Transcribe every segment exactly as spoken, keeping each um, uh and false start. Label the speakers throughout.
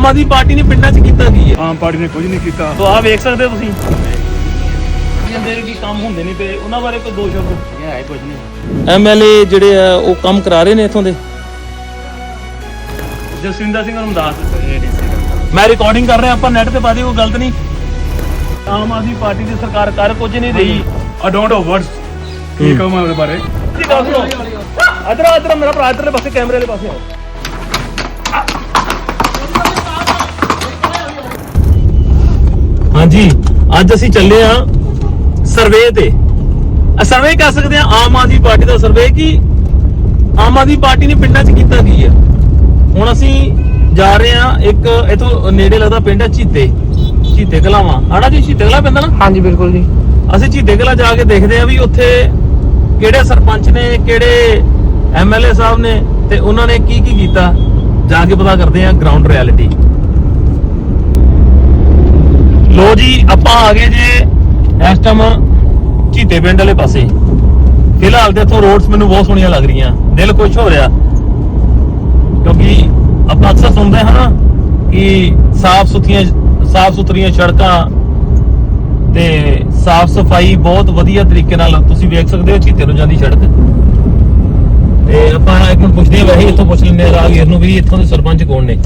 Speaker 1: ਆਮ Aadmi party ਨੇ ਪਿੰਡਾਂ 'ਚ ਕੀਤਾ ਕੀ ਹੈ?
Speaker 2: ਆਮ ਪਾਰਟੀ ਨੇ ਕੁਝ ਨਹੀਂ ਕੀਤਾ।
Speaker 1: ਤੋ ਆ ਵੇਖ ਸਕਦੇ ਹੋ ਤੁਸੀਂ ਜਿਹੜੇ ਕੀ ਕੰਮ ਹੁੰਦੇ ਨਹੀਂ ਤੇ ਉਹਨਾਂ ਬਾਰੇ ਕੋਈ ਦੋ ਸ਼ਬਦ
Speaker 2: ਹੈ ਕੁਝ ਨਹੀਂ।
Speaker 1: ਐਮਐਲਏ ਜਿਹੜੇ ਆ ਉਹ ਕੰਮ ਕਰਾ ਰਹੇ ਨੇ ਇਥੋਂ ਦੇ। ਜਸਵਿੰਦਰ ਸਿੰਘ ਰਮਦਾਸ ਮੈਂ ਰਿਕਾਰਡਿੰਗ ਕਰ ਰਿਹਾ, ਆਪਾਂ ਨੈਟ ਤੇ ਪਾ ਦੇ, ਕੋਈ ਗਲਤ ਨਹੀਂ। ਆਮ ਆਦਮੀ ਪਾਰਟੀ ਦੀ ਸਰਕਾਰ ਕਰ ਕੁਝ ਨਹੀਂ ਰਹੀ।
Speaker 2: ਆ ਡੋਂਟ ਨੋ ਵਰਡਸ ਕੀ ਕਹਾਂ ਮੈਂ ਉਹਦੇ ਬਾਰੇ।
Speaker 1: ਅਦਰ ਅਦਰ ਮੇਰਾ ਭਰਾ ਇਧਰਲੇ ਪਾਸੇ ਕੈਮਰੇ ਵਾਲੇ ਪਾਸੇ ਆਓ। ਹਾਂਜੀ ਅੱਜ ਅਸੀਂ ਚੱਲੇ ਆ ਸਰਵੇ ਤੇ। ਸਰਵੇ ਕਰ ਸਕਦੇ ਆ ਆਮ ਆਦਮੀ ਪਾਰਟੀ ਦਾ ਸਰਵੇ ਕਿ ਆਮ ਆਦਮੀ ਪਾਰਟੀ ਨੇ ਪਿੰਡਾਂ 'ਚ ਕੀਤਾ ਕੀ ਹੈ। ਹੁਣ ਅਸੀਂ ਜਾ ਰਹੇ ਆ ਇੱਕ ਇਥੋਂ ਨੇੜੇ ਲੱਗਦਾ ਪਿੰਡ ਹੈ ਚੀਤੇ ਚੀਤੇ ਕਲਾਵਾਂ ਆੜਾ ਜੀ। ਚੀਤੇ ਕਲਾ ਪੈਂਦਾ ਨਾ?
Speaker 3: ਹਾਂਜੀ ਬਿਲਕੁਲ ਜੀ।
Speaker 1: ਅਸੀਂ ਚੀਤੇ ਕਲਾ ਜਾ ਕੇ ਦੇਖਦੇ ਆ ਵੀ ਉੱਥੇ ਕਿਹੜੇ ਸਰਪੰਚ ਨੇ, ਕਿਹੜੇ ਐਮਐਲਏ ਸਾਹਿਬ ਨੇ ਤੇ ਉਹਨਾਂ ਨੇ ਕੀ ਕੀ ਕੀਤਾ। ਜਾ ਕੇ ਪਤਾ ਕਰਦੇ ਆ ਗਰਾਊਂਡ ਰਿਐਲਿਟੀ। ਲੋ ਜੀ ਆਪਾਂ ਆ ਗਏ ਜੇ ਇਸ ਟਾਈਮ ਚੀਤੇ ਪਿੰਡ ਵਾਲੇ ਪਾਸੇ। ਫਿਲਹਾਲ ਤੇ ਇੱਥੋਂ ਰੋਡਸ ਮੈਨੂੰ ਬਹੁਤ ਸੋਹਣੀਆਂ ਲੱਗ ਰਹੀਆਂ, ਦਿਲ ਖੁਸ਼ ਹੋ ਰਿਹਾ ਕਿਉਂਕਿ ਆਪਾਂ ਅਕਸਰ ਸੁਣਦੇ ਹਾਂ ਕਿ ਸਾਫ਼ ਸੁਥਰੀਆਂ ਸਾਫ਼ ਸੁਥਰੀਆਂ ਸੜਕਾਂ ਤੇ ਸਾਫ਼ ਸਫਾਈ ਬਹੁਤ ਵਧੀਆ ਤਰੀਕੇ ਨਾਲ ਤੁਸੀਂ ਵੇਖ ਸਕਦੇ ਹੋ ਚੀਤੇ ਨੂੰ ਜਾਂਦੀ ਸੜਕ। ਤੇ ਆਪਾਂ ਇੱਕ ਮਿੰਟ ਪੁੱਛਦੇ ਹਾਂ, ਵੈਸੇ ਇੱਥੋਂ ਪੁੱਛ ਲੈਂਦੇ ਆ ਰਾਹਗੀਰ ਨੂੰ ਵੀ ਇੱਥੋਂ ਦੇ ਸਰਪੰਚ ਕੌਣ ਨੇ।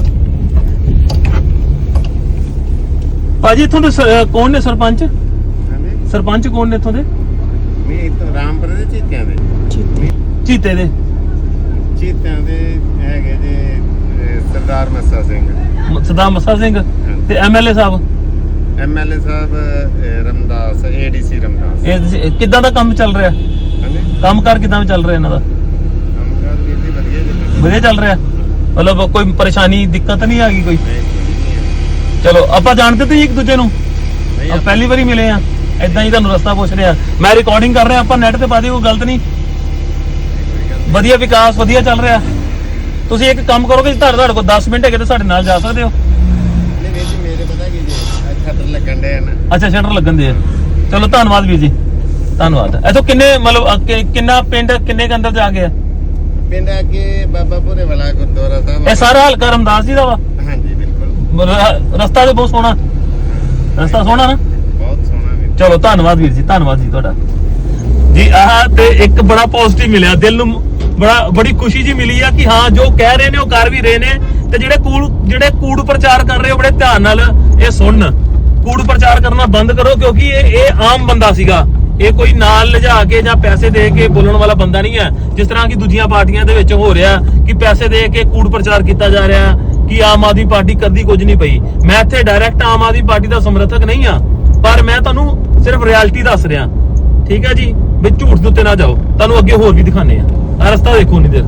Speaker 1: ਭਾਜੀ ਇੱਥੋਂ ਦੇ ਕੌਣ ਨੇ ਸਰਪੰਚ? ਸਰਪੰਚ ਕੌਣ ਨੇ ਇੱਥੋਂ ਦੇ?
Speaker 4: ਮੈਂ ਇੱਥੋਂ ਰਾਮਪੁਰ ਦੇ ਚੀਤਿਆਂ ਦੇ
Speaker 1: ਚੀਤੇ ਦੇ
Speaker 4: ਚੀਤਿਆਂ ਦੇ ਹੈਗੇ ਜੇ ਸਰਦਾਰ ਮੱਸਾ ਸਿੰਘ,
Speaker 1: ਸਰਦਾਰ ਮੱਸਾ ਸਿੰਘ ਤੇ MLA Sahib
Speaker 4: MLA Sahib Ramdas ADC Ramdas.
Speaker 1: ਇਹ ਕਿੱਦਾਂ ਦਾ ਕੰਮ ਚੱਲ ਰਿਹਾ?
Speaker 4: ਹਾਂਜੀ
Speaker 1: ਕੰਮ ਕਾਰ ਕਿੱਦਾਂ ਚੱਲ ਰਿਹਾ ਇਹਨਾਂ ਦਾ?
Speaker 4: ਕੰਮਕਾਰ ਵੀ ਵਧੀਆ ਜੀ,
Speaker 1: ਵਧੀਆ ਚੱਲ ਰਿਹਾ। ਮਤਲਬ ਕੋਈ ਪਰੇਸ਼ਾਨੀ ਦਿੱਕਤ ਨਹੀਂ ਆ ਗਈ ਕੋਈ? ਚਲੋ ਆਪਾਂ ਜਾਣਦੇ ਤੇ ਇੱਕ ਦੂਜੇ ਨੂੰ, ਆਪਾਂ ਪਹਿਲੀ ਵਾਰੀ ਮਿਲੇ ਆ, ਏਦਾਂ ਹੀ ਤੁਹਾਨੂੰ ਰਸਤਾ ਪੁੱਛ ਰਿਹਾ। ਮੈਂ ਰਿਕਾਰਡਿੰਗ ਕਰ ਰਿਹਾ, ਆਪਾਂ ਨੈਟ ਤੇ ਪਾ ਦੇ, ਕੋਈ ਗਲਤ ਨਹੀਂ। ਵਧੀਆ ਵਿਕਾਸ ਵਧੀਆ ਚੱਲ ਰਿਹਾ। ਤੁਸੀਂ ਇੱਕ ਕੰਮ ਕਰੋਗੇ, ਤੁਹਾਡੇ ਤੁਹਾਡੇ ਕੋਲ ਦਸ ਮਿੰਟ ਹੈਗੇ ਤੇ ਸਾਡੇ ਨਾਲ ਜਾ ਸਕਦੇ ਹੋ।
Speaker 4: ਨਹੀਂ ਵੀਰ ਜੀ ਮੇਰੇ ਪਤਾ ਕੀ ਜੀ ਸ਼ਟਰ ਲੱਗਣ ਦੇ ਨਾ।
Speaker 1: ਅੱਛਾ ਸ਼ਟਰ ਲੱਗਣ ਦੇ ਆ। ਚਲੋ ਧੰਨਵਾਦ ਵੀਰ ਜੀ, ਧੰਨਵਾਦ। ਇੱਥੋਂ ਕਿੰਨੇ ਮਤਲਬ ਕਿੰਨਾ ਪਿੰਡ ਕਿੰਨੇ ਅੰਦਰ ਜਾ ਗਿਆ?
Speaker 4: ਪਿੰਡ ਅੱਗੇ ਬਾਬਾ ਭੂਰੇ ਵਾਲਾ ਗੁਰਦੁਆਰਾ ਸਾਹਿਬ।
Speaker 1: ਇਹ ਸਾਰਾ ਹਲਕਾ ਰਮਦਾਸ ਜੀ ਦਾ ਵਾ?
Speaker 4: ਹਾਂਜੀ ਬਿਲਕੁਲ।
Speaker 1: ਰਸਤਾ ਤੇ ਬਹੁਤ ਸੋਹਣਾ, ਰਸਤਾ ਸੋਹਣਾ ਨਾ?
Speaker 4: ਬਹੁਤ ਸੋਹਣਾ ਵੀਰ।
Speaker 1: ਚਲੋ ਧੰਨਵਾਦ ਵੀਰ ਜੀ, ਧੰਨਵਾਦ ਜੀ ਤੁਹਾਡਾ ਜੀ। ਆਹ ਤੇ ਇੱਕ ਬੜਾ ਪੋਜ਼ਿਟਿਵ ਮਿਲਿਆ, ਦਿਲ ਨੂੰ ਬੜਾ ਬੜੀ ਖੁਸ਼ੀ ਜੀ ਮਿਲੀ ਆ ਕਿ ਹਾਂ ਜੋ ਕਹਿ ਰਹੇ ਨੇ ਉਹ ਕਰ ਵੀ ਰਹੇ ਨੇ। ਤੇ ਜਿਹੜੇ ਕੂੜ ਜਿਹੜੇ ਕੂੜ ਪ੍ਰਚਾਰ ਕਰ ਰਹੇ ਹੋ ਬੜੇ ਧਿਆਨ ਨਾਲ ਇਹ ਸੁਣਨ। ਕੂੜ ਪ੍ਰਚਾਰ ਕਰਨਾ ਬੰਦ ਕਰੋ ਕਿਉਂਕਿ ਇਹ ਇਹ ਆਮ ਬੰਦਾ ਸੀਗਾ। ਇਹ ਕੋਈ ਨਾਲ ਲਿਜਾ ਕੇ ਜਾਂ ਪੈਸੇ ਦੇ ਕੇ ਬੋਲਣ ਵਾਲਾ ਬੰਦਾ ਨਹੀਂ ਹੈ, ਜਿਸ ਤਰ੍ਹਾਂ ਕਿ ਦੂਜੀਆਂ ਪਾਰਟੀਆਂ ਦੇ ਵਿੱਚ ਹੋ ਰਿਹਾ ਕਿ ਪੈਸੇ ਦੇ ਕੇ ਕੂੜ ਪ੍ਰਚਾਰ ਕੀਤਾ ਜਾ ਰਿਹਾ ਕਿ ਆਮ ਆਦਮੀ ਪਾਰਟੀ ਕਦੀ ਕੁਝ ਨਹੀਂ ਪਈ। ਮੈਂ ਇੱਥੇ ਡਾਇਰੈਕਟ ਆਮ ਆਦਮੀ ਪਾਰਟੀ ਦਾ ਸਮਰਥਕ ਨਹੀਂ ਆ, ਪਰ ਮੈਂ ਤੁਹਾਨੂੰ ਸਿਰਫ ਰਿਐਲਿਟੀ ਦੱਸ ਰਿਹਾ, ਠੀਕ ਹੈ ਜੀ। ਵੀ ਝੂਠ ਦੇ ਉੱਤੇ ਨਾ ਜਾਓ। ਤੁਹਾਨੂੰ ਅੱਗੇ ਹੋਰ ਵੀ ਦਿਖਾਣੇ ਆ। ਆ ਰਸਤਾ ਦੇਖੋ ਨਹੀਂ ਦੇਰ,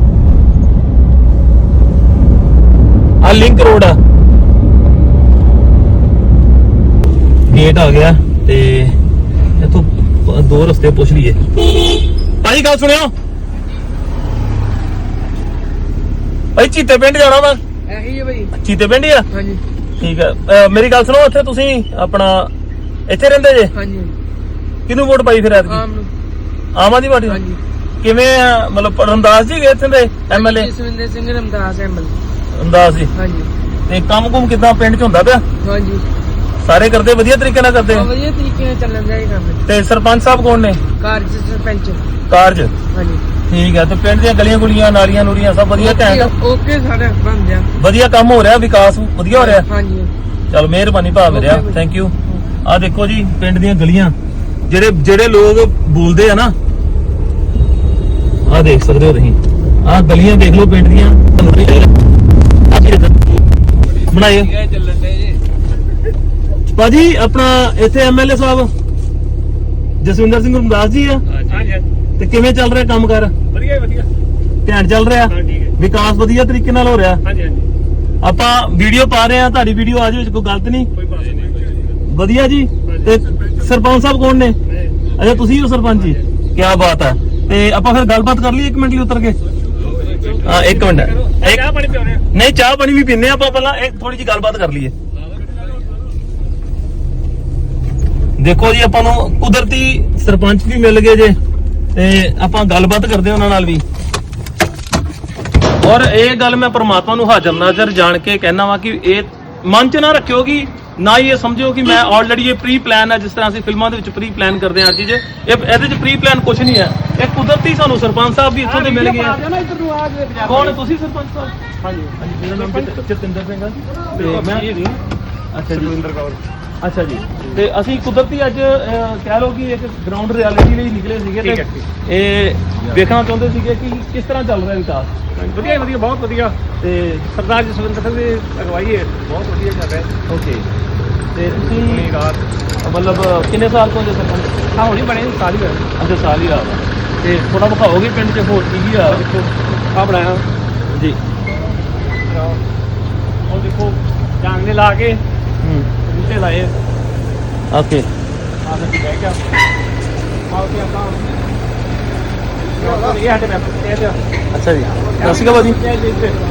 Speaker 1: ਆ ਲਿੰਕ ਰੋਡ ਆ, ਗੇਟ ਆ ਗਿਆ ਤੇ ਇੱਥੋਂ ਦੋ ਰਸਤੇ ਪੁੱਛ ਲਈਏ। ਭਾਜੀ ਗੱਲ ਸੁਣਿਓ, ਭਾਈ ਚੀਤੇ ਪਿੰਡ ਜਾਣਾ ਵਾ।
Speaker 3: ਇਹੀ ਹੈ ਭਾਈ,
Speaker 1: ਚੀਤੇ ਪਿੰਡ ਹੀ ਆ?
Speaker 3: ਹਾਂਜੀ
Speaker 1: ਠੀਕ ਹੈ। ਮੇਰੀ ਗੱਲ ਸੁਣੋ, ਇੱਥੇ ਤੁਸੀਂ ਆਪਣਾ ਇੱਥੇ ਰਹਿੰਦੇ ਜੇ?
Speaker 3: ਹਾਂਜੀ।
Speaker 1: ਕਿਹਨੂੰ ਵੋਟ ਪਾਈ ਫਿਰ ਐਤਕੀ?
Speaker 3: ਆਮ ਨੂੰ।
Speaker 1: ਆਮ ਆਦਮੀ ਪਾਰਟੀ?
Speaker 3: ਹਾਂਜੀ।
Speaker 1: ਕਿਵੇਂ ਆ ਮਤਲਬ ਰਮਦਾਸ ਜੀ ਗਏ ਇੱਥੇ ਦੇ ਐਮਐਲਏ?
Speaker 3: ਜਸਵਿੰਦਰ ਸਿੰਘ ਰਮਦਾਸ ਐਮਐਲਏ।
Speaker 1: ਰਮਦਾਸ ਜੀ।
Speaker 3: ਹਾਂਜੀ।
Speaker 1: ਤੇ ਕੰਮ ਕੁਮ ਕਿੱਦਾਂ ਪਿੰਡ 'ਚ ਹੁੰਦਾ ਪਿਆ?
Speaker 3: ਹਾਂਜੀ
Speaker 1: ਸਾਰੇ ਕਰਦੇ ਵਧੀਆ ਤਰੀਕੇ ਨਾਲ ਕਰਦੇ?
Speaker 3: ਵਧੀਆ ਤਰੀਕੇ ਨਾਲ ਚੱਲਣ ਦਾ ਹੀ ਕੰਮ।
Speaker 1: ਤੇ ਸਰਪੰਚ ਸਾਹਿਬ ਕੌਣ ਨੇ?
Speaker 3: ਕਾਰਜ ਸਰਪੰਚ।
Speaker 1: ਕਾਰਜ?
Speaker 3: ਹਾਂਜੀ
Speaker 1: ਠੀਕ ਹੈ। ਤੇ ਪਿੰਡ ਦੀਆਂ ਗਲੀਆਂ ਗੁਲੀਆਂ ਨਾਲੀਆਂ ਨੂਰੀਆਂ ਸਭ ਵਧੀਆ ਘੈਂਟ?
Speaker 3: ਓਕੇ ਸਾਡੇ ਬਣ ਗਿਆ,
Speaker 1: ਵਧੀਆ ਕੰਮ ਹੋ ਰਿਹਾ, ਵਿਕਾਸ ਵਧੀਆ ਹੋ ਰਿਹਾ?
Speaker 3: ਹਾਂਜੀ।
Speaker 1: ਚਲ ਮਿਹਰਬਾਨੀ ਭਾ ਮੇਰਿਆ, ਥੈਂਕ ਯੂ। ਆ ਦੇਖੋ ਜੀ ਪਿੰਡ ਦੀਆਂ ਗਲੀਆਂ, ਜਿਹੜੇ ਜਿਹੜੇ ਲੋਕ ਬੋਲਦੇ ਆ ਨਾ, ਆ ਦੇਖ ਸਕਦੇ ਹੋ ਤੁਸੀਂ। ਆ ਗਲੀਆਂ ਦੇਖ ਲਓ ਪਿੰਡ ਦੀਆਂ ਬਣਾਏ ਭਾਜੀ। ਆਪਣਾ ਇੱਥੇ ਐਮਐਲਏ ਸਾਹਿਬ ਜਸਵਿੰਦਰ ਸਿੰਘ ਰਮਦਾਸ ਜੀ ਆ। ਤੇ ਕਿਵੇਂ ਚੱਲ ਰਿਹਾ ਕੰਮ ਕਾਰ?
Speaker 2: ਵਧੀਆ ਵਧੀਆ
Speaker 1: ਘੈਂਟ ਚੱਲ ਰਿਹਾ, ਵਿਕਾਸ ਵਧੀਆ ਤਰੀਕੇ ਨਾਲ ਹੋ ਰਿਹਾ।
Speaker 2: ਹਾਂਜੀ ਹਾਂਜੀ।
Speaker 1: ਆਪਾਂ ਵੀਡੀਓ ਪਾ ਰਹੇ ਆ, ਤੁਹਾਡੀ ਵੀਡੀਓ ਆ ਜਾਵੇ, ਕੋਈ ਗਲਤ ਨਹੀਂ? ਵਧੀਆ ਜੀ। ਤੇ ਸਰਪੰਚ ਸਾਹਿਬ ਕੌਣ ਨੇ? ਅੱਛਾ ਤੁਸੀਂ ਹੋ ਸਰਪੰਚ ਜੀ, ਕੀ ਬਾਤ ਹੈ। ਤੇ ਆਪਾਂ ਫਿਰ ਗੱਲਬਾਤ ਕਰ ਲਈਏ ਇੱਕ ਮਿੰਟ ਲਈ ਉਤਰ ਕੇ। ਹਾਂ ਇੱਕ ਮਿੰਟ,
Speaker 2: ਚਾਹ ਪਾਣੀ ਪਿਆਉਣੇ?
Speaker 1: ਨਹੀਂ ਚਾਹ ਪਾਣੀ ਵੀ ਪੀਨੇ ਆਪਾਂ, ਪਹਿਲਾਂ ਇੱਕ ਥੋੜੀ ਜਿਹੀ ਗੱਲਬਾਤ ਕਰ ਲਈਏ। ਦੇਖੋ ਜੀ ਆਪਾਂ ਨੂੰ ਕੁਦਰਤੀ ਸਰਪੰਚ ਵੀ ਮਿਲ ਗਏ ਜੇ ਤੇ ਆਪਾਂ ਗੱਲਬਾਤ ਕਰਦੇ ਉਹਨਾਂ ਨਾਲ ਵੀ। ਔਰ ਇਹ ਗੱਲ ਮੈਂ ਪ੍ਰਮਾਤਮਾ ਨੂੰ ਹਾਜ਼ਰ ਨਾਜ਼ਰ ਜਾਣ ਕੇ ਕਹਿਣਾ ਵਾ ਕਿ ਇਹ ਮਨ ਚ ਨਾ ਰੱਖਿਓ ਕਿ ਨਾ ਹੀ ਇਹ ਸਮਝੋ ਕਿ ਮੈਂ ਆਲਰੇਡੀ ਇਹ ਪ੍ਰੀ ਪਲਾਨ ਹੈ, ਜਿਸ ਤਰ੍ਹਾਂ ਅਸੀਂ ਫਿਲਮਾਂ ਦੇ ਵਿੱਚ ਪ੍ਰੀ ਪਲਾਨ ਕਰਦੇ ਹਾਂ ਹਰ ਚੀਜ਼। ਇਹ ਇਹਦੇ ਚ ਪ੍ਰੀ ਪਲਾਨ ਕੁਝ ਨਹੀਂ ਹੈ, ਇਹ ਕੁਦਰਤੀ ਸਾਨੂੰ ਸਰਪੰਚ ਸਾਹਿਬ ਵੀ ਇੱਥੋਂ ਦੇ ਮਿਲ ਗਏ ਆ। ਕੌਣ ਤੁਸੀਂ ਸਰਪੰਚ ਸਾਹਿਬ? ਹਾਂਜੀ ਹਾਂਜੀ, ਮੇਰਾ ਨਾਮ ਜਤ- ਜਤਿੰਦਰ ਸਿੰਘ ਹੈ ਤੇ ਮੈਂ ਇਹ ਨਹੀਂ ਅੱਛਾ ਜੀ
Speaker 2: ਸੁਰਿੰਦਰ ਕੌਰ।
Speaker 1: ਅੱਛਾ ਜੀ। ਤੇ ਅਸੀਂ ਕੁਦਰਤੀ ਅੱਜ ਅਹ, ਕਹਿ ਲਓ ਕਿ ਇੱਕ ਗਰਾਊਂਡ ਰਿਐਲਿਟੀ ਲਈ ਨਿਕਲੇ ਸੀਗੇ
Speaker 2: ਠੀਕ
Speaker 1: ਤੇ
Speaker 2: ਹੈ,
Speaker 1: ਇਹ ਵੇਖਣਾ ਚਾਹੁੰਦੇ ਸੀਗੇ ਕਿ ਕਿਸ ਤਰ੍ਹਾਂ ਚੱਲ ਰਿਹਾ ਵਿਕਾਸ।
Speaker 2: ਵਧੀਆ ਵਧੀਆ, ਬਹੁਤ ਵਧੀਆ।
Speaker 1: ਤੇ
Speaker 2: ਸਰਦਾਰ ਜਸਵਿੰਦਰ ਸਿੰਘ ਦੀ ਅਗਵਾਈ ਹੈ, ਬਹੁਤ ਵਧੀਆ ਚੱਲ ਰਿਹਾ।
Speaker 1: ਓਕੇ, ਤੇ ਤੁਸੀਂ
Speaker 2: ਆਪਣੀ ਰਾਤ
Speaker 1: ਮਤਲਬ ਕਿੰਨੇ ਸਾਲ ਤੋਂ ਜੇ ਸਰਪੰਚ?
Speaker 2: ਹਾਂ ਹੁਣੀ ਬਣੇ ਸਾਲ ਹੀ ਹੋਇਆ।
Speaker 1: ਅੱਛਾ, ਸਾਲ ਹੀ ਆ ਤੇ ਥੋੜਾ ਵਿਖਾਓਗੇ ਪਿੰਡ 'ਚ ਹੋਰ ਕੀ ਕੀ ਆ?
Speaker 2: ਆ ਬਣਾਇਆ
Speaker 1: ਜੀ।
Speaker 2: ਉਹ ਦੇਖੋ ਜਾਂਗਲੇ ਲਾ ਕੇ
Speaker 1: ਹੂੰ,
Speaker 2: ਬੂਟੇ ਲਾਏ।
Speaker 1: ਓਕੇ,
Speaker 2: ਆ ਕੇ ਬਹਿ ਗਿਆ ਆਓ ਤੇ ਆਪਾਂ ਇਹ ਸਾਡੇ ਮੈਂ ਇਹ ਤੇ
Speaker 1: ਅੱਛਾ ਜੀ। ਸਤਿ ਸ਼੍ਰੀ ਅਕਾਲ ਭਾਜੀ।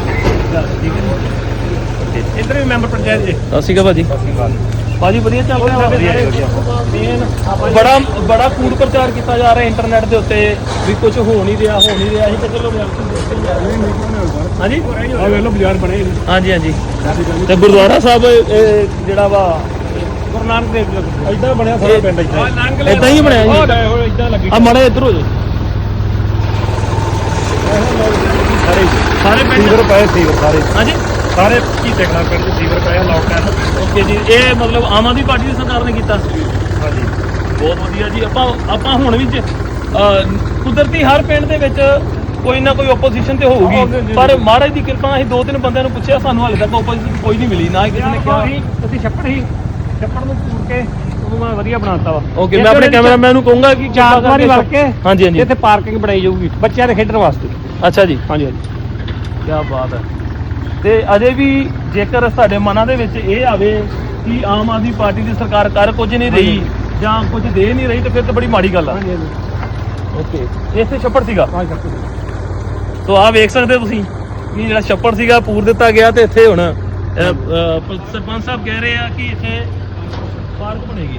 Speaker 2: ਇੱਧਰ ਵੀ ਮੈਂਬਰ ਪੰਚਾਇਤ ਜੀ।
Speaker 1: ਸਤਿ ਸ਼੍ਰੀ ਅਕਾਲ ਭਾਜੀ। ਭਾਜੀ ਵਧੀਆ ਚੱਲ ਰਿਹਾ ਮੇਨ ਬੜਾ ਬੜਾ ਕੂੜ ਪ੍ਰਚਾਰ ਕੀਤਾ ਜਾ ਰਿਹਾ ਇੰਟਰਨੈਟ ਦੇ ਉੱਤੇ ਵੀ ਕੁਝ ਹੋ ਨਹੀਂ ਰਿਹਾ ਹੋ ਨਹੀਂ ਰਿਹਾ। ਅਸੀਂ ਤਾਂ ਚਲੋ ਹਾਂਜੀ
Speaker 2: ਆ ਵੇਖ ਲਓ ਬਾਜ਼ਾਰ ਬਣੇ ਨੇ।
Speaker 1: ਹਾਂਜੀ ਹਾਂਜੀ। ਤੇ ਗੁਰਦੁਆਰਾ ਸਾਹਿਬ ਇਹ ਜਿਹੜਾ ਵਾ
Speaker 2: ਗੁਰੂ ਨਾਨਕ ਦੇਵ ਜੀ ਦਾ
Speaker 1: ਏਦਾਂ ਬਣਿਆ ਸਾਰਾ ਪਿੰਡ ਏਦਾਂ
Speaker 2: ਏਦਾਂ
Speaker 1: ਏਦਾਂ ਹੀ ਬਣਿਆ ਜੀ।
Speaker 2: ਇਦਾਂ ਲੱਗੀ
Speaker 1: ਆ ਮਾੜੇ ਇੱਧਰ ਹੋ ਜਾਓ।
Speaker 2: ਸਾਰੇ
Speaker 1: ਸਾਰੇ ਪਿੰਡ
Speaker 2: ਸੀਵਰ ਪਏ ਸੀਵਰ ਸਾਰੇ
Speaker 1: ਹਾਂਜੀ
Speaker 2: ਸਾਰੇ ਕੀ ਦੇਖਣਾ ਪਿੰਡ ਚ ਸੀਵਰ ਪਿਆ ਲਾਕਡਾਊਨ।
Speaker 1: ਓਕੇ ਜੀ। ਇਹ ਮਤਲਬ ਆਮ ਆਦਮੀ ਪਾਰਟੀ ਦੀ ਸਰਕਾਰ ਨੇ ਕੀਤਾ।
Speaker 2: ਹਾਂਜੀ
Speaker 1: ਬਹੁਤ ਵਧੀਆ ਜੀ। ਆਪਾਂ ਆਪਾਂ ਹੁਣ ਵੀ ਜ- ਅਹ ਕੁਦਰਤੀ ਹਰ ਪਿੰਡ ਦੇ ਵਿੱਚ ਕੋਈ ਨਾ ਕੋਈ ਆਪੋਜੀਸ਼ਨ ਤੇ ਹੋਊਗੀ, ਪਰ ਮਹਾਰਾਜ ਦੀ ਕਿਰਪਾ ਅਸੀਂ ਦੋ ਤਿੰਨ ਬੰਦਿਆਂ ਨੂੰ ਪੁੱਛਿਆ, ਸਾਨੂੰ ਹਾਲੇ ਤੱਕ ਆਪੋਜੀਸ਼ਨ ਕੋਈ ਨਹੀਂ ਮਿਲੀ, ਨਾ ਹੀ ਕਿਸੇ ਨੇ ਕਿਹਾ।
Speaker 2: ਅਸੀਂ ਛੱਪੜ ਹੀ ਛੱਪੜ ਨੂੰ ਪੂਰ ਕੇ ਉਹਨੂੰ ਮੈਂ ਵਧੀਆ ਬਣਾਤਾ ਵਾ।
Speaker 1: ਓਕੇ, ਮੈਂ ਆਪਣੇ ਕੈਮਰਾਮੈਨ ਨੂੰ ਕਹੂੰਗਾ ਕਿ
Speaker 2: ਚਾਰ ਵਾਰੀ ਵੜ ਕੇ
Speaker 1: ਹਾਂਜੀ ਹਾਂਜੀ
Speaker 2: ਇੱਥੇ ਪਾਰਕਿੰਗ ਬਣਾਈ ਜਾਊਗੀ ਬੱਚਿਆਂ ਦੇ ਖੇਡਣ ਵਾਸਤੇ।
Speaker 1: ਅੱਛਾ ਜੀ,
Speaker 2: ਹਾਂਜੀ ਹਾਂਜੀ
Speaker 1: ਕੀ ਬਾਤ ਹੈ। ਤੇ ਅਜੇ ਵੀ ਜੇਕਰ ਸਾਡੇ ਮਨਾਂ ਦੇ ਵਿੱਚ ਇਹ ਆਵੇ ਕਿ ਆਮ ਆਦਮੀ ਪਾਰਟੀ ਦੀ ਸਰਕਾਰ ਕਰ ਕੁਝ ਨਹੀਂ ਰਹੀ ਜਾਂ ਕੁਝ ਦੇ ਨਹੀਂ ਰਹੀ, ਤੇ ਫਿਰ ਤਾਂ ਬੜੀ ਮਾੜੀ ਗੱਲ ਆ।
Speaker 2: ਹਾਂਜੀ ਹਾਂਜੀ
Speaker 1: ਓਕੇ, ਇਸੇ ਛੱਪੜ ਸੀਗਾ।
Speaker 2: ਹਾਂ ਛੱਪੜ
Speaker 1: ਸੋ ਆਹ ਵੇਖ ਸਕਦੇ ਹੋ ਤੁਸੀਂ ਕਿ ਜਿਹੜਾ ਛੱਪੜ ਸੀਗਾ ਪੂਰ ਦਿੱਤਾ ਗਿਆ, ਤੇ ਇੱਥੇ ਹੁਣ ਅਹ, ਅਹ, ਸਰਪੰਚ ਸਾਹਿਬ ਕਹਿ ਰਹੇ ਆ ਕਿ ਇੱਥੇ ਪਾਰਕ ਬਣੇਗੀ।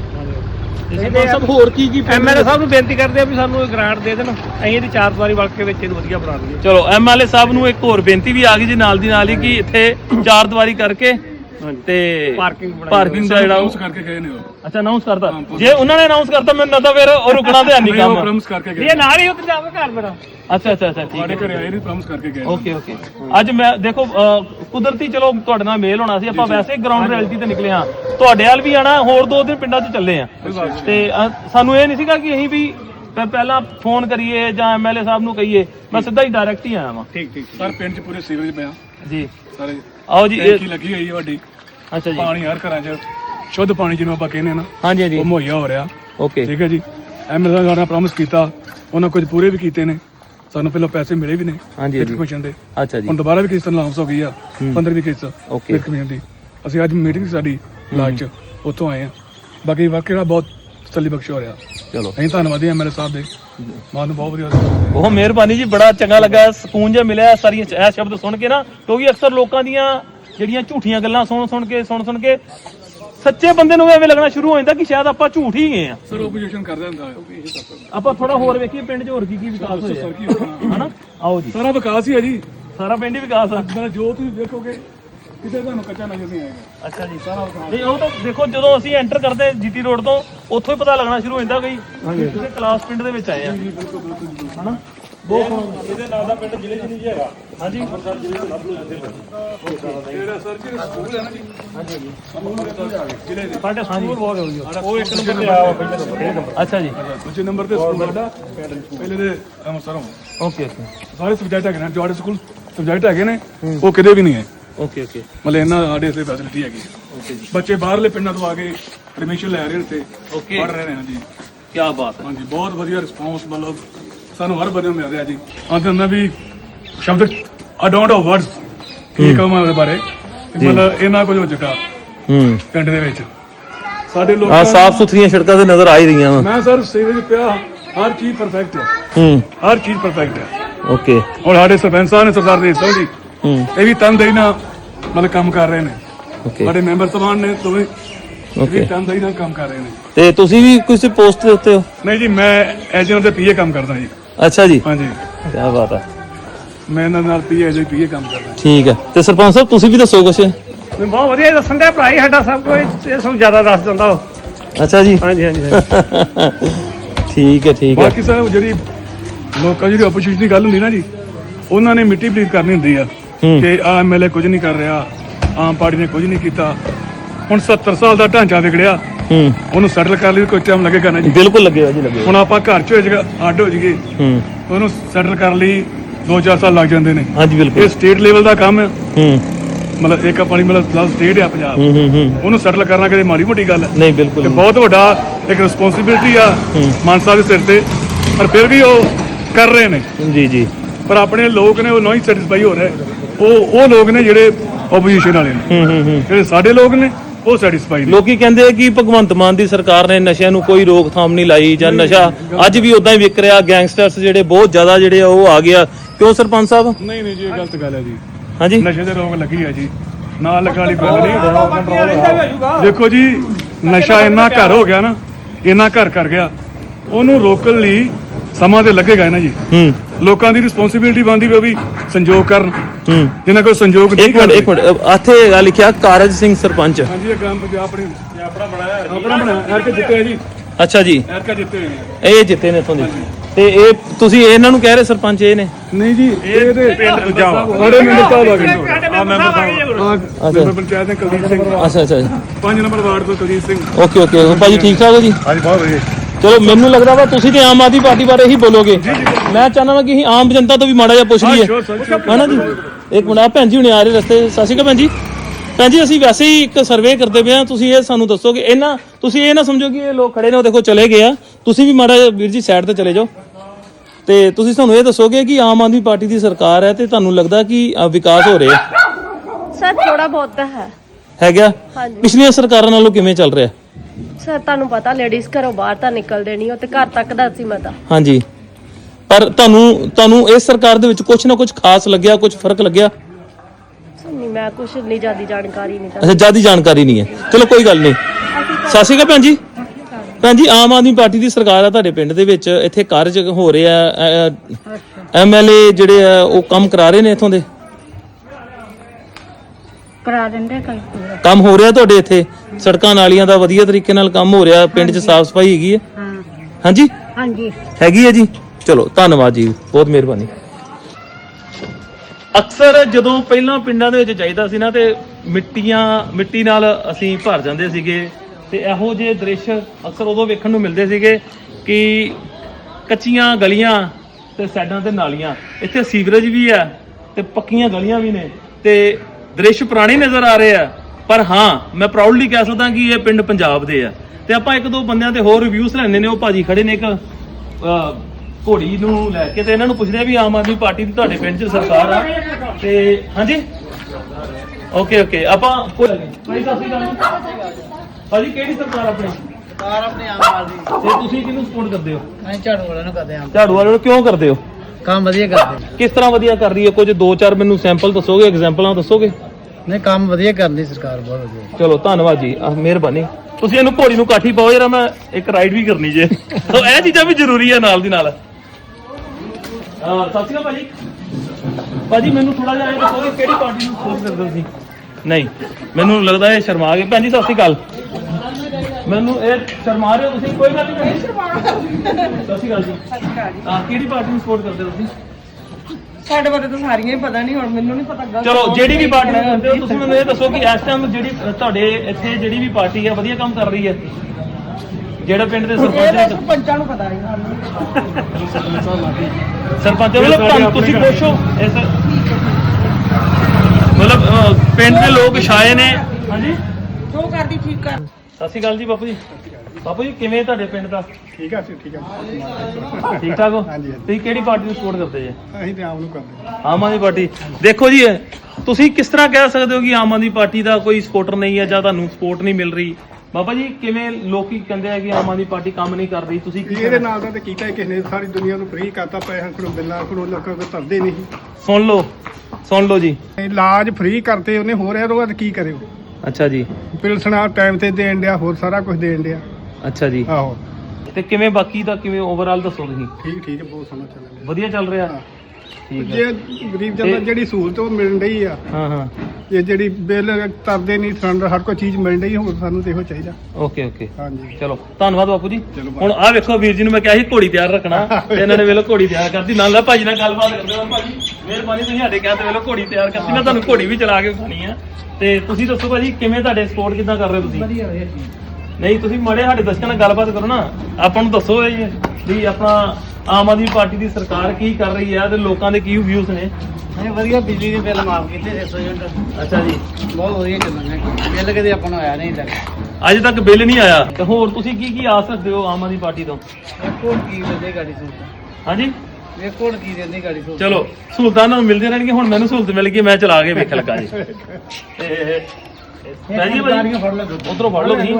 Speaker 1: ਤੇ ਸਰਪੰਚ ਸਾਹਿਬ ਹੋਰ ਕੀ ਕੀ
Speaker 2: ਐਮਐਲਏ ਸਾਹਿਬ ਨੂੰ ਬੇਨਤੀ ਕਰਦੇ ਆ ਵੀ ਸਾਨੂੰ ਗ੍ਰਾਂਟ ਦੇ ਦੇਣ, ਅਸੀਂ ਇਹਦੀ ਚਾਰ ਦੀਵਾਰੀ ਵੜ ਕੇ ਵਿੱਚ ਇਹਨੂੰ ਵਧੀਆ ਬਣਾ ਲਈਏ।
Speaker 1: ਚਲੋ, ਐਮਐਲਏ ਸਾਹਿਬ ਨੂੰ ਇੱਕ ਹੋਰ ਬੇਨਤੀ ਵੀ ਆ ਗਈ ਜੀ ਨਾਲ ਦੀ ਨਾਲ ਹੀ ਕਿ ਇੱਥੇ ਚਾਰ ਦੀਵਾਰੀ ਕਰਕੇ ਤੇ
Speaker 2: ਪਾਰਕਿੰਗ ਬਣਾਈ
Speaker 1: ਪਾਰਕਿੰਗ ਦਾ ਜਿਹੜਾ ਉਹ-
Speaker 2: ਕਰਕੇ ਗਏ ਨੇ ਉਹ।
Speaker 1: ਅੱਛਾ ਅਨਾਉਂਸ ਕਰਤਾ। ਜੇ ਉਹਨਾਂ ਨੇ ਅਨਾਉਂਸ ਕਰਤਾ ਮੈਨੂੰ ਲੱਗਦਾ ਫਿਰ ਉਹ ਰੁਕਣਾ ਤੇ ਨਹੀਂ ਕੰਮ।
Speaker 2: ਪ੍ਰੋਮਿਸ ਕਰਕੇ ਗਏ ਇਹ ਨਾਲ ਹੀ ਉੱਥੇ ਜਾਵੇ ਘਰ ਮੇਰਾ।
Speaker 1: ਅੱਛਾ ਅੱਛਾ ਅੱਛਾ, ਠੀਕ
Speaker 2: ਸਾਡੇ
Speaker 1: ਹੈ।
Speaker 2: ਘਰੇ ਆਏ ਨੇ ਪ੍ਰੋਮਿਸ ਕਰਕੇ ਗਏ।
Speaker 1: Okay okay. ਅੱਜ ਮੈਂ ਦੇਖੋ ਅਹ, ਕੁਦਰਤੀ ਚਲੋ ਤੁਹਾਡੇ ਨਾਲ ਮੇਲ ਹੋਣਾ ਸੀ, ਆਪਾਂ ਵੈਸੇ ਗਰਾਊਂਡ ਰਿਐਲਿਟੀ ਤੇ ਨਿਕਲੇ ਹਾਂ। ਤੁਹਾਡੇ ਵੱਲ ਵੀ ਆਣਾ, ਹੋਰ ਦੋ ਦਿਨ ਪਿੰਡਾਂ 'ਚ ਚੱਲੇ ਆ। ਤੇ ਅਹ, ਸਾਨੂੰ ਇਹ ਨਹੀਂ ਸੀਗਾ ਕਿ ਅਸੀਂ ਵੀ ਪ- ਪਹਿਲਾਂ ਫੋਨ ਕਰੀਏ ਜਾਂ ਐਮਐਲਏ ਸਾਹਿਬ ਨੂੰ ਕਹੀਏ, ਮੈਂ ਸਿੱਧਾ ਹੀ ਡਾਇਰੈਕਟ ਹੀ ਆਇਆ ਵਾਂ।
Speaker 2: ਠੀਕ ਠੀਕ ਸਰ, ਪਿੰਡ 'ਚ ਪੂਰੇ ਸੀਵਰੇਜ ਪਿਆ
Speaker 1: ਜੀ,
Speaker 2: ਸਾਰੇ।
Speaker 1: ਆਓ ਜੀ। ਇਹ-
Speaker 2: ਟੈਂਕੀ ਲੱਗੀ ਹੋਈ ਹੈ ਵੱਡੀ,
Speaker 1: ਅੱਛਾ ਜੀ।
Speaker 2: ਪਾਣੀ ਹਰ ਘਰਾਂ 'ਚ ਸ਼ੁੱਧ ਪਾਣੀ ਜਿਹਨੂੰ ਆਪਾਂ ਕਹਿੰਦੇ ਨਾ,
Speaker 1: ਹਾਂਜੀ ਹਾਂਜੀ,
Speaker 2: ਉਹ ਮੁਹੱਈਆ ਹੋ ਰਿਹਾ।
Speaker 1: ਓਕੇ।
Speaker 2: ਠੀਕ ਹੈ ਜੀ। ਐਮਐਲਏ ਸਾਹਿਬ ਨੇ ਪ੍ਰੋਮਿਸ ਕੀਤਾ, ਉਹਨਾਂ ਕੁਝ ਪੂਰੇ ਵੀ ਕੀਤੇ ਨੇ। ਸਾਨੂੰ ਪਹਿਲਾਂ ਪੈਸੇ ਮਿਲੇ ਵੀ ਨੇ
Speaker 1: ਹਾਂਜੀ ਹਾਂਜੀ,
Speaker 2: ਕਮਿਸ਼ਨ ਦੇ।
Speaker 1: ਅੱਛਾ ਜੀ,
Speaker 2: ਹੁਣ ਦੁਬਾਰਾ ਵੀ ਕਿਸ਼ਤ ਅਨਾਉਂਸ ਹੋ ਗਈ ਆ, ਪੰਦਰਵੀਂ ਕਿਸ਼ਤ
Speaker 1: ਓਕੇ।
Speaker 2: ਕਮਿਸ਼ਨ ਦੀ। ਅਸੀਂ ਅੱਜ ਮੀਟਿੰਗ ਸਾਡੀ ਲਾਜ 'ਚ ਉੱਥੋਂ ਆਏ ਆ। ਬਾਕੀ ਵਾਕਿਆ ਬਹੁਤ ਤਸੱਲੀ ਬਖਸ਼ ਹੋ ਰਿਹਾ।
Speaker 1: ਚਲੋ
Speaker 2: ਅਸੀਂ ਧੰਨਵਾਦੀ ਐਮਐਲਏ ਸਾਹਿਬ ਦੇ, ਮਾਨ ਨੂੰ ਬਹੁਤ ਵਧੀਆ।
Speaker 1: ਬਹੁਤ ਮਿਹਰਬਾਨੀ ਜੀ, ਬੜਾ ਚੰਗਾ ਲੱਗਾ, ਸਕੂਨ ਜਿਹਾ ਮਿਲਿਆ ਸਾਰੀਆਂ ਇਹ ਸ਼ਬਦ ਸੁਣ ਕੇ ਨਾ, ਕਿਉਂਕਿ ਅਕਸਰ ਲੋਕਾਂ ਦੀਆਂ ਜਿਹੜੀਆਂ ਝੂਠੀਆਂ ਗੱਲਾਂ ਸੁਣ ਸੁਣ ਕੇ ਸੁਣ ਸੁਣ ਕੇ ਸੱਚੇ ਬੰਦੇ ਨੂੰ ਐਵੇਂ ਲੱਗਣਾ ਸ਼ੁਰੂ ਹੋ ਜਾਂਦਾ ਕਿ ਸ਼ਾਇਦ ਆਪਾਂ ਝੂਠ ਹੀ ਗਏ ਆ।
Speaker 2: ਸਰ ਓਪੋਜੀਸ਼ਨ ਕਰਦਾ ਹੁੰਦਾ।
Speaker 1: ਆਪਾਂ ਥੋੜਾ ਹੋਰ ਵੇਖੀਏ ਪਿੰਡ 'ਚ ਹੋਰ ਕੀ ਕੀ ਵਿਕਾਸ ਹੋਇਆ ਹਨਾ। ਆਓ ਜੀ,
Speaker 2: ਸਾਰਾ ਵਿਕਾਸ ਹੀ ਹੈ ਜੀ,
Speaker 1: ਸਾਰਾ ਪਿੰਡ ਹੀ ਵਿਕਾਸ ਆ।
Speaker 2: ਜੋ ਤੁਸੀਂ ਦੇਖੋਗੇ ਕਿਤੇ ਤੁਹਾਨੂੰ ਕੱਚਾ ਨਜ਼ਰ ਨਹੀਂ ਆਏਗਾ।
Speaker 1: ਅੱਛਾ ਜੀ, ਸਾਰਾ ਵਿਕਾਸ। ਨਹੀਂ ਉਹ ਤਾਂ ਦੇਖੋ ਜਦੋਂ ਅਸੀਂ ਐਂਟਰ ਕਰਦੇ ਜੀਟੀ ਰੋਡ ਤੋਂ, ਉੱਥੋਂ ਹੀ ਪਤਾ ਲੱਗਣਾ ਸ਼ੁਰੂ ਹੋ ਜਾਂਦਾ ਕੋਈ ਕਿਸੇ ਕਲਾਸ ਪਿੰਡ ਦੇ ਵਿੱਚ ਆਏ ਆ ਹਨਾ। ਬਹੁਤ ਸੋਹਣਾ। ਇਹਦੇ ਨਾਲ ਦਾ ਪਿੰਡ ਜ਼ਿਲ੍ਹੇ 'ਚ ਨਹੀਂ ਜੀ ਹੈਗਾ। ਹਾਂਜੀ ਅੰਮ੍ਰਿਤਸਰ ਜ਼ਿਲ੍ਹੇ ਦਾ ਲੱਭ ਲੋ ਇੱਥੇ
Speaker 2: ਜਿਹੜਾ ਸਰ ਜੀ ਸਕੂਲ ਹੈ ਨਾ ਜੀ,
Speaker 1: ਹਾਂਜੀ ਹਾਂਜੀ,
Speaker 2: ਜ਼ਿਲ੍ਹੇ ਦੇ
Speaker 1: ਸਾਡੇ ਸਕੂਲ ਬਹੁਤ ਹੋ ਗਿਆ।
Speaker 2: ਉਹ ਇੱਕ ਨੰਬਰ ਤੇ ਆਇਆ ਪਹਿਲੇ
Speaker 1: ਅੱਛਾ ਜੀ,
Speaker 2: ਦੂਜੇ ਨੰਬਰ ਤੇ ਸਕੂਲ ਸਾਡਾ ਪਹਿਲੇ ਦੇ ਅੰਮ੍ਰਿਤਸਰੋਂ।
Speaker 1: ਓਕੇ ਓਕੇ
Speaker 2: ਸਾਰੇ ਸਬਜੈਕਟ ਹੈਗੇ ਨੇ, ਜਿਹੜੇ ਸਕੂਲ ਸਬਜੈਕਟ ਹੈਗੇ ਨੇ ਉਹ ਕਿਤੇ ਵੀ ਨਹੀਂ ਹੈ।
Speaker 1: ਓਕੇ ਓਕੇ
Speaker 2: ਮਤਲਬ ਇਹਨਾਂ ਸਾਡੇ ਇੱਥੇ ਫੈਸਿਲਿਟੀ ਹੈਗੀ।
Speaker 1: ਓਕੇ ਜੀ,
Speaker 2: ਬੱਚੇ ਬਾਹਰਲੇ ਪਿੰਡਾਂ ਤੋਂ ਆ ਕੇ ਐਡਮਿਸ਼ਨ ਲੈ ਰਹੇ ਨੇ ਤੇ
Speaker 1: ਓਕੇ,
Speaker 2: ਪੜ੍ਹ ਰਹੇ ਨੇ। ਹਾਂਜੀ
Speaker 1: ਕੀ ਬਾਤ ਹੈ।
Speaker 2: ਹਾਂਜੀ, ਬਹੁਤ ਵਧੀਆ ਰਿਸਪੌਂਸ ਮਤਲਬ ਸਾਨੂੰ ਹਰ ਬੰਦੇ ਨੂੰ ਮਿਲ ਰਿਹਾ ਜੀ। ਆਂਦੇ ਹੁੰਦਾ ਵੀ ਸ਼ਬਦ ਆਈ ਡੋਂਟ ਹੈਵ ਵਰਡਸ ਕੀ ਕਹਾਂ ਉਹਦੇ ਬਾਰੇ, ਮਤਲਬ ਇਹਨਾਂ ਕੁਝ ਹੋ ਚੁੱਕਾ
Speaker 1: ਹੂੰ,
Speaker 2: ਪਿੰਡ ਦੇ ਵਿੱਚ ਸਾਡੇ ਲੋਕ।
Speaker 1: ਆ ਸਾਫ ਸੁਥਰੀਆਂ ਸੜਕਾਂ ਤੇ ਨਜ਼ਰ ਆ ਹੀ ਰਹੀਆਂ ਵਾ।
Speaker 2: ਮੈਂ ਸਰ ਸੀਵਰੇਜ ਪਿਆ, ਹਰ ਚੀਜ਼ ਪਰਫੈਕਟ ਹੈ,
Speaker 1: ਹੂੰ,
Speaker 2: ਹਰ ਚੀਜ਼ ਪਰਫੈਕਟ ਹੈ।
Speaker 1: ਓਕੇ,
Speaker 2: ਔਰ ਸਾਡੇ ਸਰਪੰਚ ਸਾਹਿਬ ਨੇ, ਸਰਦਾਰ ਦੇਸ ਸਿੰਘ ਜੀ,
Speaker 1: ਹੂੰ,
Speaker 2: ਇਹ ਵੀ ਤਨਦੇਹੀ ਨਾਲ ਮਤਲਬ ਕੰਮ ਕਰ ਰਹੇ ਨੇ।
Speaker 1: ਓਕੇ
Speaker 2: ਸਾਡੇ ਮੈਂਬਰ ਸਭਾਨ ਨੇ ਦੋਵੇਂ
Speaker 1: ਓਕੇ।
Speaker 2: ਵੀ ਤਨਦੇਹੀ ਨਾਲ ਕੰਮ ਕਰ ਰਹੇ ਨੇ।
Speaker 1: ਤੇ ਤੁਸੀਂ ਵੀ ਕਿਸੇ ਪੋਸਟ ਦੇ ਉੱਤੇ ਹੋ?
Speaker 2: ਨਹੀਂ ਜੀ, ਮੈਂ ਐਜਨ ਦੇ ਪੀਏ ਕੰਮ ਕਰਦਾ ਜੀ।
Speaker 1: ਅੱਛਾ ਜੀ,
Speaker 2: ਹਾਂਜੀ,
Speaker 1: ਕੀ ਬਾਤ ਹੈ।
Speaker 2: ਮੈਂ ਇਹਨਾਂ ਨਾਲ ਪੀਏ ਜੇ ਪੀਏ ਕੰਮ ਕਰਦਾ।
Speaker 1: ਠੀਕ ਹੈ। ਤੇ ਸਰਪੰਚ ਸਾਹਿਬ ਤੁਸੀਂ ਵੀ ਦੱਸੋ ਕੁਛ।
Speaker 5: ਬਹੁਤ ਵਧੀਆ ਦੱਸਣ ਦਾ ਭਰਾ ਹੀ ਸਾਡਾ ਸਭ ਕੁਝ ਇਹ ਸਾਨੂੰ ਜ਼ਿਆਦਾ ਦੱਸ ਦਿੰਦਾ ਉਹ।
Speaker 1: ਅੱਛਾ ਜੀ।
Speaker 5: ਹਾਂਜੀ ਹਾਂਜੀ
Speaker 1: ਠੀਕ ਹੈ ਠੀਕ ਹੈ।
Speaker 2: ਬਾਕੀ ਸਰ ਜਿਹੜੀ ਲੋਕਾਂ ਦੀ ਆਪੋਜੀਸ਼ਨ ਦੀ ਗੱਲ ਹੁੰਦੀ ਨਾ ਜੀ, ਉਹਨਾਂ ਨੇ ਮਿੱਟੀ ਪਲੀਟ ਕਰਨੀ ਹੁੰਦੀ ਆ ਕਿ ਆ ਐਮਐਲਏ ਕੁਝ ਨਹੀਂ ਕਰ ਰਿਹਾ, ਆਮ ਪਾਰਟੀ ਨੇ ਕੁਝ ਨਹੀਂ ਕੀਤਾ। ਹੁਣ ਸੱਤਰ ਸਾਲ ਦਾ ਢਾਂਚਾ ਵਿਗੜਿਆ,
Speaker 1: ਹੂੰ
Speaker 2: ਉਹਨੂੰ ਸੈਟਲ ਕਰ ਲਈ ਕੋਈ ਟਾਈਮ ਲੱਗੇਗਾ ਨਾ ਜੀ।
Speaker 1: ਬਿਲਕੁਲ ਲੱਗੇਗਾ ਜੀ ਲੱਗੇਗਾ।
Speaker 2: ਹੁਣ ਆਪਾਂ ਘਰ ਚ ਹੋ ਜਾਏਗਾ ਅੱਡ ਹੋ ਜਾਈਏ,
Speaker 1: ਹੂੰ
Speaker 2: ਉਹਨੂੰ ਸੈਟਲ ਕਰਨ ਲਈ ਦੋ ਚਾਰ ਸਾਲ ਲੱਗ ਜਾਂਦੇ ਨੇ।
Speaker 1: ਹਾਂਜੀ
Speaker 2: ਇਹ
Speaker 1: ਬਿਲਕੁਲ।
Speaker 2: ਸਟੇਟ ਲੈਵਲ ਦਾ ਕੰਮ ਹੈ,
Speaker 1: ਹੂੰ
Speaker 2: ਮਤਲਬ ਇੱਕ ਆਪਣੀ ਮਤਲਬ ਸਟੇਟ ਹੈ ਪੰਜਾਬ,
Speaker 1: ਹੂੰ ਹੂੰ ਹੂੰ
Speaker 2: ਉਹਨੂੰ ਸੈਟਲ ਕਰਨਾ ਕਿਤੇ ਮਾੜੀ ਮੋਟੀ ਗੱਲ ਹੈ।
Speaker 1: ਨਹੀਂ ਬਿਲਕੁਲ
Speaker 2: ਤੇ ਬਹੁਤ ਵੱਡਾ ਇੱਕ ਰਿਸਪੌਂਸਿਬਿਲਟੀ ਆ ਮਾਨ ਸਾਹਿਬ ਦੇ ਸਿਰ ਤੇ, ਪਰ ਫਿਰ ਵੀ ਉਹ ਕਰ ਰਹੇ ਨੇ।
Speaker 1: ਜੀ ਜੀ।
Speaker 2: ਪਰ ਆਪਣੇ ਲੋਕ ਨੇ ਉਹ ਨਹੀਂ ਸੈਟੀਸਫਾਈ ਹੋ ਰਹੇ, ਉਹ ਉਹ ਲੋਕ ਨੇ ਜਿਹੜੇ ਆਪੋਜੀਸ਼ਨ ਵਾਲੇ ਨੇ।
Speaker 1: ਹੂੰ ਹੂੰ ਹੂੰ।
Speaker 2: ਜਿਹੜੇ ਸਾਡੇ ਲੋਕ ਨੇ ਉਹ ਸੈਟੀਸਫਾਈ ਨੇ।
Speaker 1: ਲੋਕੀ ਕਹਿੰਦੇ ਆ ਕਿ ਭਗਵੰਤ ਮਾਨ ਦੀ ਸਰਕਾਰ ਨੇ ਨਸ਼ਿਆਂ ਨੂੰ ਕੋਈ ਰੋਕਥਾਮ ਨਹੀਂ ਲਾਈ, ਜਾਂ ਨਸ਼ਾ ਅੱਜ ਵੀ ਉਦਾਂ ਹੀ ਵਿਕ ਰਿਹਾ, ਗੈਂਗਸਟਰਸ ਜਿਹੜੇ ਬਹੁਤ ਜ਼ਿਆਦਾ ਜਿਹੜੇ ਆ ਉਹ ਆ ਗਿਆ। ਕਿਉਂ ਸਰਪੰਚ ਸਾਹਿਬ?
Speaker 2: ਨਹੀਂ ਨਹੀਂ ਜੀ, ਇਹ ਗਲਤ ਗੱਲ ਹੈ ਜੀ।
Speaker 1: ਹਾਂਜੀ
Speaker 2: ਨਸ਼ੇ ਦੇ ਰੋਗ ਲੱਗੀ ਹੈ ਜੀ, ਨਾ ਲੱਗਣ ਵਾਲੀ ਗੱਲ ਨਹੀਂ। ਦੇਖੋ ਜੀ, ਨਸ਼ਾ ਇੰਨਾ ਘਰ ਹੋ ਗਿਆ ਨਾ, ਇੰਨਾ ਘਰ ਕਰ ਗਿਆ, ਉਹਨੂੰ ਰੋਕਣ ਲਈ ਸਮਾਂ ਤੇ ਲੱਗੇਗਾ ਨਾ ਜੀ।
Speaker 1: ਹੂੰ
Speaker 2: ਲੋਕਾਂ ਦੀ ਰਿਸਪੌਂਸਿਬਿਲਟੀ ਬਣਦੀ ਵੀ ਉਹ ਵੀ ਸੰਯੋਗ ਕਰਨ,
Speaker 1: ਹੂੰ।
Speaker 2: ਜਿਨ੍ਹਾਂ ਕੋਲ ਸੰਯੋਗ ਨਹੀਂ
Speaker 1: ਇੱਕ ਮਿੰਟ
Speaker 2: ਕਰਦੇ।
Speaker 1: ਇੱਕ ਮਿੰਟ ਇੱਥੇ ਆ ਲਿਖਿਆ ਕਾਰਜ ਸਿੰਘ ਸਰਪੰਚ।
Speaker 2: ਹਾਂਜੀ, ਇਹ ਗ੍ਰਾਮ ਪੰਜਾਬ ਆਪਣੀ ਆਪਣਾ ਬਣਾਇਆ ਆਪਣਾ ਬਣਾਇਆ ਐਰਕਾ ਜਿੱਤੇ ਹੈ ਜੀ,
Speaker 1: ਅੱਛਾ ਜੀ।
Speaker 2: ਐਰਕਾ ਜਿੱਤੇ ਹੋਏ ਨੇ।
Speaker 1: ਇਹ ਜਿੱਤੇ ਨੇ ਇੱਥੋਂ ਦੇ। ਤੇ ਇਹ ਤੁਸੀਂ ਇਹਨਾਂ ਨੂੰ ਕਹਿ ਰਹੇ ਸਰਪੰਚ ਇਹ ਨੇ?
Speaker 2: ਨਹੀਂ ਜੀ, ਇਹ ਤੇ ਪਿੰਡ ਦੂਜਾ ਬੜੇ ਮੈਂਬਰ ਸਾਹਿਬ ਆ ਗਏ ਨੇ।
Speaker 5: ਆ ਮੈਂਬਰ ਸਾਹਿਬ
Speaker 2: ਆਹ ਮੈਂਬਰ ਪੰਚਾਇਤ ਨੇ ਕੁਲਦੀਪ ਸਿੰਘ,
Speaker 1: ਅੱਛਾ ਅੱਛਾ
Speaker 2: ਪੰਜ ਨੰਬਰ ਵਾਰਡ ਤੋਂ ਕੁਲਦੀਪ ਸਿੰਘ।
Speaker 1: ਓਕੇ ਓਕੇ ਭਾਜੀ ਠੀਕ ਠਾਕ ਹੋ ਜੀ?
Speaker 2: ਹਾਂਜੀ ਬਹੁਤ ਵਧੀਆ।
Speaker 1: ਚਲੋ ਮੈਨੂੰ ਲੱਗਦਾ ਵਾ ਤੁਸੀਂ ਤੇ ਆਮ ਆਦਮੀ ਪਾਰਟੀ ਬਾਰੇ ਹੀ ਬੋਲੋਗੇ। ਮੈਂ ਚਾਹੁੰਦਾ ਵਾਂ ਕਿ ਅਸੀਂ ਆਮ ਜਨਤਾ ਤੋਂ ਵੀ ਮਾੜਾ ਜਿਹਾ ਪੁੱਛ ਲਈਏ, ਹਨਾ ਜੀ। ਇੱਕ ਮਿੰਟ, ਆ ਭੈਣ ਜੀ ਹੁਣੇ ਆ ਰਹੇ ਰਸਤੇ। ਸਤਿ ਸ਼੍ਰੀ ਅਕਾਲ ਭੈਣ ਜੀ। ਭੈਣ ਜੀ ਅਸੀਂ ਵੈਸੇ ਹੀ ਇੱਕ ਸਰਵੇ ਕਰਦੇ ਪਏ ਆ, ਤੁਸੀਂ ਇਹ ਸਾਨੂੰ ਦੱਸੋ ਕਿ ਇਹਨਾਂ ਤੁਸੀਂ ਇਹ ਨਾ ਸਮਝੋ ਕਿ ਇਹ ਲੋਕ ਖੜੇ ਨੇ ਉਹ ਦੇਖੋ ਚਲੇ ਗਏ ਆ, ਤੁਸੀਂ ਵੀ ਮਾੜਾ ਜਿਹਾ ਵੀਰ ਜੀ ਸਾਈਡ ਤੇ ਚਲੇ ਜਾਓ। ਤੇ ਤੁਸੀਂ ਸਾਨੂੰ ਇਹ ਦੱਸੋਗੇ ਕਿ ਆਮ ਆਦਮੀ ਪਾਰਟੀ ਦੀ ਸਰਕਾਰ ਹੈ ਤੇ ਤੁਹਾਨੂੰ ਲੱਗਦਾ ਕਿ ਅ, ਵਿਕਾਸ ਹੋ ਰਿਹਾ
Speaker 6: ਸਰ ਥੋੜਾ ਬਹੁਤ ਤਾਂ ਹੈ
Speaker 1: ਹੈਗਾ?
Speaker 6: ਹਾਂਜੀ।
Speaker 1: ਪਿਛਲੀਆਂ ਸਰਕਾਰਾਂ ਨਾਲੋਂ ਕਿਵੇਂ ਚੱਲ ਰਿਹਾ?
Speaker 6: ਸਰ ਤੁਹਾਨੂੰ ਪਤਾ ਲੇਡੀਜ਼ ਘਰੋਂ ਬਾਹਰ ਤਾਂ ਨਿਕਲਦੇ ਨਹੀਂ, ਉਹ ਤੇ ਘਰ ਤੱਕ ਦਾ ਸੀਮਤ ਆ।
Speaker 1: ਹਾਂਜੀ, ਪਰ ਤੁਹਾਨੂੰ ਤੁਹਾਨੂੰ ਇਸ ਸਰਕਾਰ ਦੇ ਵਿੱਚ ਕੁਝ ਨਾ ਕੁਝ ਖਾਸ ਲੱਗਿਆ, ਕੁਝ ਫਰਕ ਲੱਗਿਆ?
Speaker 6: ਨਹੀਂ ਮੈਂ ਕੁਝ ਨਹੀਂ ਜ਼ਿਆਦਾ ਜਾਣਕਾਰੀ ਨਹੀਂ ਤਾਂ।
Speaker 1: ਅੱਛਾ, ਜ਼ਿਆਦਾ ਜਾਣਕਾਰੀ ਨਹੀਂ ਹੈ। ਚਲੋ ਕੋਈ ਗੱਲ ਨਹੀਂ। ਸਤਿ ਸ਼੍ਰੀ ਅਕਾਲ ਭੈਣ ਜੀ। ਭੈਣ ਜੀ ਆਮ ਆਦਮੀ ਪਾਰਟੀ ਦੀ ਸਰਕਾਰ ਆ ਤੁਹਾਡੇ ਪਿੰਡ ਦੇ ਵਿੱਚ, ਇੱਥੇ ਕਾਰਜ ਹੋ ਰਿਹਾ, ਐਮਐਲਏ ਜਿਹੜੇ ਆ ਉਹ ਕੰਮ ਕਰਾ ਰਹੇ ਨੇ ਇੱਥੋਂ ਦੇ?
Speaker 6: ਕਰਾ ਦਿੰਦੇ
Speaker 1: ਕੰਮ ਹੋ ਰਿਹਾ ਤੁਹਾਡੇ ਇੱਥੇ? ਸੜਕਾਂ ਨਾਲੀਆਂ ਦਾ ਵਧੀਆ ਤਰੀਕੇ ਨਾਲ ਕੰਮ ਹੋ ਰਿਹਾ? ਪਿੰਡ 'ਚ ਸਾਫ਼ ਸਫਾਈ ਹੈਗੀ ਹੈ? ਹਾਂਜੀ
Speaker 6: ਹਾਂਜੀ
Speaker 1: ਹੈਗੀ ਹੈ ਜੀ। ਚਲੋ ਧੰਨਵਾਦ ਜੀ, ਬਹੁਤ ਮਿਹਰਬਾਨੀ। ਅਕਸਰ ਜਦੋਂ ਪਹਿਲਾਂ ਪਿੰਡਾਂ ਦੇ ਵਿੱਚ ਜਾਈਦਾ ਸੀ ਨਾ ਤੇ ਮਿੱਟੀਆਂ ਮਿੱਟੀ ਨਾਲ ਅਸੀਂ ਭਰ ਜਾਂਦੇ ਸੀਗੇ, ਤੇ ਇਹੋ ਜਿਹੇ ਦ੍ਰਿਸ਼ ਅਕਸਰ ਉਦੋਂ ਵੇਖਣ ਨੂੰ ਮਿਲਦੇ ਸੀਗੇ ਕਿ ਕੱਚੀਆਂ ਗਲੀਆਂ ਤੇ ਸਾਈਡਾਂ ਤੇ ਨਾਲੀਆਂ, ਇੱਥੇ ਸੀਵਰੇਜ ਵੀ ਆ ਤੇ ਪੱਕੀਆਂ ਗਲੀਆਂ ਵੀ ਨੇ, ਤੇ ਦ੍ਰਿਸ਼ ਪੁਰਾਣੇ ਨਜ਼ਰ ਆ ਰਹੇ ਆ। ਪਰ ਹਾਂ, ਮੈਂ ਪ੍ਰਾਊਡਲੀ ਕਹਿ ਸਕਦਾ ਕਿ ਇਹ ਪਿੰਡ ਪੰਜਾਬ ਦੇ ਆ। ਤੇ ਆਪਾਂ ਇੱਕ ਦੋ ਬੰਦਿਆਂ ਦੇ ਹੋਰ ਰਿਵਿਊਜ਼ ਲੈਣੇ ਨੇ। ਉਹ ਭਾਜੀ ਖੜੇ ਨੇ ਇੱਕ ਅਹ, ਘੋੜੀ ਨੂੰ ਲੈ ਕੇ, ਤੇ ਇਹਨਾਂ ਨੂੰ ਪੁੱਛਦੇ ਆ ਵੀ ਆਮ ਆਦਮੀ ਪਾਰਟੀ ਦੀ ਤੁਹਾਡੇ ਪਿੰਡ 'ਚ ਸਰਕਾਰ ਆ ਤੇ ਹਾਂਜੀ ਓਕੇ ਓਕੇ ਆਪਾਂ ਭਾਈ ਸਤਿ ਸ਼੍ਰੀ ਅਕਾਲ ਭਾਜੀ। ਕਿਹੜੀ ਸਰਕਾਰ ਆਪਣੀ?
Speaker 3: ਸਰਕਾਰ ਆਪਣੇ ਆਮ ਆਦਮੀ
Speaker 1: ਤੇ ਤੁਸੀਂ ਕਿਹਨੂੰ ਸਪੋਰਟ ਕਰਦੇ ਹੋ?
Speaker 3: ਅਸੀਂ ਝਾੜੂ ਵਾਲਿਆਂ ਨੂੰ ਕਰਦੇ ਆਂ,
Speaker 1: ਝਾੜੂ ਵਾਲੇ ਨੂੰ ਕਿਉਂ ਕਰਦੇ ਹੋ?
Speaker 3: ਕੰਮ ਵਧੀਆ ਕਰਦੇ।
Speaker 1: ਕਿਸ ਤਰ੍ਹਾਂ ਵਧੀਆ ਕਰ ਰਹੀ ਹੈ? ਕੁਝ ਦੋ ਚਾਰ ਮੈਨੂੰ ਸੈਂਪਲ ਦੱਸੋਗੇ, ਐਗਜ਼ਾਮਪਲਾਂ ਦੱਸੋਗੇ?
Speaker 3: ਨਹੀਂ ਕੰਮ ਵਧੀਆ ਕਰਦੀ ਸਰਕਾਰ, ਬਹੁਤ ਵਧੀਆ।
Speaker 1: ਚਲੋ ਧੰਨਵਾਦ ਜੀ, ਆਹ ਮਿਹਰਬਾਨੀ। ਤੁਸੀਂ ਇਹਨੂੰ ਘੋੜੀ ਨੂੰ ਕਾਠੀ ਪਾਓ ਜਰਾ, ਮੈਂ ਇੱਕ ਰਾਈਡ ਵੀ ਕਰਨੀ ਜੇ। ਸੋ ਇਹ ਚੀਜ਼ਾਂ ਵੀ ਜ਼ਰੂਰੀ ਆ ਨਾਲ ਦੀ ਨਾਲ। ਹਾਂ ਸਤਿ ਸ਼੍ਰੀ ਅਕਾਲ ਭਾਜੀ। ਭਾਜੀ ਮੈਨੂੰ ਥੋੜਾ ਜਿਹਾ ਇਹ ਦੱਸੋ ਕਿ ਕਿਹੜੀ ਪਾਰਟੀ ਨੂੰ ਸਪੋਰਟ ਕਰਦੇ ਹੋ ਤੁਸੀਂ? ਨਹੀਂ ਮੈਨੂੰ ਲੱਗਦਾ ਇਹ ਸ਼ਰਮਾ ਗਏ। ਭੈਣ ਜੀ ਸਤਿ ਸ਼੍ਰੀ ਅਕਾਲ। ਮੈਨੂੰ ਇਹ ਸ਼ਰਮਾ ਰਹੇ ਹੋ ਤੁਸੀਂ? ਕੋਈ ਗੱਲ ਨਹੀਂ। ਸਤਿ ਸ਼੍ਰੀ ਅਕਾਲ ਜੀ। ਹਾਂ ਕਿਹੜੀ ਪਾਰਟੀ ਨੂੰ ਸਪੋਰਟ ਕਰਦੇ ਹੋ ਤੁਸੀਂ?
Speaker 3: ਸਾਡੇ ਬਾਰੇ ਤਾਂ ਸਾਰੀਆਂ ਹੀ ਪਤਾ ਨਹੀਂ, ਹੁਣ ਮੈਨੂੰ ਨਹੀਂ ਪਤਾ।
Speaker 1: ਚਲੋ ਜਿਹੜੀ ਵੀ ਪਾਰਟੀ ਨੂੰ ਕਰਦੇ ਹੋ ਤੁਸੀਂ ਮੈਨੂੰ ਇਹ ਦੱਸੋ ਕਿ ਇਸ ਟਾਈਮ ਜਿਹੜੀ ਤੁਹਾਡੇ ਇੱਥੇ ਜਿਹੜੀ ਵੀ ਪਾਰਟੀ ਹੈ ਵਧੀਆ ਕੰਮ ਕਰ ਰਹੀ ਹੈ? ਜਿਹੜਾ ਪਿੰਡ ਦੇ ਸਰਪੰਚ ਨੇ,
Speaker 3: ਸਰਪੰਚਾਂ ਨੂੰ ਪਤਾ ਨਹੀਂ
Speaker 1: ਸਰਪੰਚ ਮਤਲਬ ਤੁਹਾਨੂੰ ਤੁਸੀਂ ਪੁੱਛੋ ਇਸ ਮਤਲਬ ਅਹ, ਪਿੰਡ ਦੇ ਲੋਕ ਛਾਏ ਨੇ। ਹਾਂਜੀ
Speaker 3: ਜੋ ਕਰਦੀ ਠੀਕ ਕਰ।
Speaker 1: ਸਤਿ ਸ਼੍ਰੀ ਅਕਾਲ ਜੀ ਬਾਪੂ ਜੀ। ਬਾਪੂ ਜੀ ਕਿਵੇਂ ਤੁਹਾਡੇ ਪਿੰਡ ਦਾ?
Speaker 2: ਠੀਕ ਆ, ਠੀਕ ਆ,
Speaker 1: ਠੀਕ ਠਾਕ ਹੋ?
Speaker 2: ਹਾਂਜੀ।
Speaker 1: ਤੁਸੀਂ ਕਿਹੜੀ ਪਾਰਟੀ ਨੂੰ ਸਪੋਰਟ ਕਰਦੇ ਜੇ?
Speaker 2: ਅਸੀਂ ਤੇ ਆਮ ਨੂੰ ਕਰਦੇ।
Speaker 1: ਆਮ ਆਦਮੀ ਪਾਰਟੀ। ਦੇਖੋ ਜੀ ਤੁਸੀਂ ਕਿਸ ਤਰ੍ਹਾਂ ਕਹਿ ਸਕਦੇ ਹੋ ਕਿ ਆਮ ਆਦਮੀ ਪਾਰਟੀ ਦਾ ਕੋਈ ਸਪੋਰਟਰ ਨਹੀਂ ਹੈ ਜਾਂ ਤੁਹਾਨੂੰ ਸਪੋਰਟ ਨਹੀਂ ਮਿਲ ਰਹੀ? ਬਾਬਾ ਜੀ ਕਿਵੇਂ ਲੋਕੀ ਕਹਿੰਦੇ ਆ ਕਿ ਆਮ ਆਦਮੀ ਪਾਰਟੀ ਕੰਮ ਨਹੀਂ ਕਰ ਰਹੀ, ਤੁਸੀਂ ਕੀ
Speaker 7: ਇਹਦੇ ਨਾਲ ਦਾ ਤੇ ਕੀਤਾ ਹੀ ਕਿਸੇ ਨੇ, ਸਾਰੀ ਦੁਨੀਆ ਨੂੰ ਫ੍ਰੀ ਕਰਤਾ, ਪੈਸਿਆਂ ਕੋਲੋਂ ਬਿੱਲਾਂ ਕੋਲੋਂ ਲੋਕਾਂ ਕੋਲ ਤਰਦੇ ਨਹੀਂ।
Speaker 1: ਸੁਣ ਲਓ ਸੁਣ ਲਓ ਜੀ।
Speaker 7: ਇਲਾਜ ਫ੍ਰੀ ਕਰਤੇ ਉਹਨੇ, ਹੋ ਰਿਹਾ ਉਹਦਾ ਕੀ ਕਰੇ?
Speaker 1: ਅੱਛਾ ਜੀ।
Speaker 7: ਪਿਲਸਣਾ ਟਾਈਮ ਤੇ ਦੇਣ ਡਿਆ, ਹੋਰ ਸਾਰਾ ਕੁਝ ਦੇਣ ਡਿਆ।
Speaker 1: ਅੱਛਾ ਜੀ।
Speaker 7: ਆਹੋ
Speaker 1: ਤੇ ਕਿਵੇਂ ਬਾਕੀ ਦਾ ਕਿਵੇਂ ਓਵਰਆਲ ਦੱਸੋ ਤੁਸੀਂ?
Speaker 7: ਠੀਕ ਠੀਕ ਬਹੁਤ ਸੋਹਣਾ ਚੱਲ ਰਿਹਾ।
Speaker 1: ਵਧੀਆ ਚੱਲ ਰਿਹਾ। ਠੀਕ ਹੈ
Speaker 7: ਜੇ ਗਰੀਬ ਜਨਤਾ
Speaker 2: ਤੇ-
Speaker 7: ਜਿਹੜੀ ਸਹੂਲਤ ਉਹ ਮਿਲਣ ਡਈ ਆ
Speaker 1: ਹਾਂ ਹਾਂ
Speaker 7: ਇਹ ਜਿਹੜੀ ਬਿੱਲ ਤਰਦੇ ਨਹੀਂ ਸਿਲੰਡਰ ਹਰ ਕੋਈ ਚੀਜ਼ ਮਿਲ ਰਹੀ ਹੁਣ ਸਾਨੂੰ ਤੇ ਇਹੋ ਚਾਹੀਦਾ
Speaker 1: ਓਕੇ ਓਕੇ
Speaker 7: ਹਾਂਜੀ
Speaker 1: ਚਲੋ ਧੰਨਵਾਦ ਬਾਪੂ ਜੀ
Speaker 7: ਚਲੋ
Speaker 1: ਹੁਣ ਆਹ ਵੇਖੋ ਵੀਰ ਜੀ ਨੂੰ ਮੈਂ ਕਿਹਾ ਸੀ ਘੋੜੀ ਤਿਆਰ ਰੱਖਣਾ ਤੇ ਇਹਨਾਂ ਨੇ ਵੇਲੋ ਘੋੜੀ ਤਿਆਰ ਕਰਤੀ ਨਾਲ ਲੈ ਭਾਜੀ ਨਾਲ ਗੱਲਬਾਤ ਕਰਦੇ ਹਾਂ ਭਾਜੀ ਮਿਹਰਬਾਨੀ ਤੁਸੀਂ ਸਾਡੇ ਕਹਿ ਤੇ ਵੇਲੋ ਘੋੜੀ ਤਿਆਰ ਕਰਤੀ ਮੈਂ ਤੁਹਾਨੂੰ ਘੋੜੀ ਵੀ ਚਲਾ ਕੇ ਵਿਖਾਉਣੀ ਆ ਤੇ ਤੁਸੀਂ ਦੱਸੋ ਭਾਜੀ ਕਿਵੇਂ ਤੁਹਾਡੇ ਸਪੋਰਟ ਕਿੱਦਾਂ ਕਰ ਰਹੇ ਹੋ ਤੁਸੀਂ
Speaker 5: ਵਧੀਆ ਵਧੀਆ ਜੀ
Speaker 1: ਨਹੀਂ ਤੁਸੀਂ ਮਾੜੇ ਸਾਡੇ ਦਰਸ਼ਕਾਂ ਨਾਲ ਗੱਲਬਾਤ ਕਰੋ ਨਾ ਆਪਾਂ ਨੂੰ ਦੱਸੋ ਇਹ ਵੀ ਆਪਣਾ ਆਮ ਆਦਮੀ ਪਾਰਟੀ ਦੀ ਸਰਕਾਰ ਕੀ ਕਰ ਰਹੀ ਹੈ ਤੇ ਲੋਕਾਂ ਦੇ ਕੀ ਵਿਊਜ਼ ਨੇ
Speaker 5: ਨਹੀਂ ਵਧੀਆ ਬਿਜਲੀ ਦੇ ਬਿੱਲ ਮਾਫ ਕੀਤੇ ਛੇ ਸੌ ਯੂਨਿਟ
Speaker 1: ਅੱਛਾ ਜੀ
Speaker 5: ਬਹੁਤ ਵਧੀਆ ਚੱਲਣਗੇ ਬਿੱਲ ਕਦੇ ਆਪਾਂ ਨੂੰ ਆਇਆ ਨਹੀਂ ਤੱਕ
Speaker 1: ਅੱਜ ਤੱਕ ਬਿੱਲ ਨਹੀਂ ਆਇਆ ਤੇ ਹੋਰ ਤੁਸੀਂ ਕੀ ਕੀ ਆਸ ਰੱਖਦੇ ਹੋ ਆਮ ਆਦਮੀ ਪਾਰਟੀ ਤੋਂ
Speaker 5: ਵੇਖੋ ਕੀ ਦਿੰਦੇ ਗਾੜੀ ਸਹੂਲਤ
Speaker 1: ਹਾਂਜੀ
Speaker 5: ਵੇਖੋ ਕੀ ਦਿੰਦੇ ਗਾੜੀ ਸਹੂਲਤ
Speaker 1: ਚਲੋ ਸਹੂਲਤਾਂ ਨੂੰ ਮਿਲਦੀਆਂ ਰਹਿਣਗੀਆਂ ਹੁਣ ਮੈਨੂੰ ਸਹੂਲਤ ਮਿਲ ਗਈ ਮੈਂ ਚਲਾ ਕੇ ਵੇਖ ਲੱਗਾ ਜੀ ਤੇ ਮੈਂ ਜੀ ਭਾਈ
Speaker 5: ਫੜ ਲੈ
Speaker 1: ਉਧਰੋਂ ਫੜ ਲਓ ਤੁਸੀਂ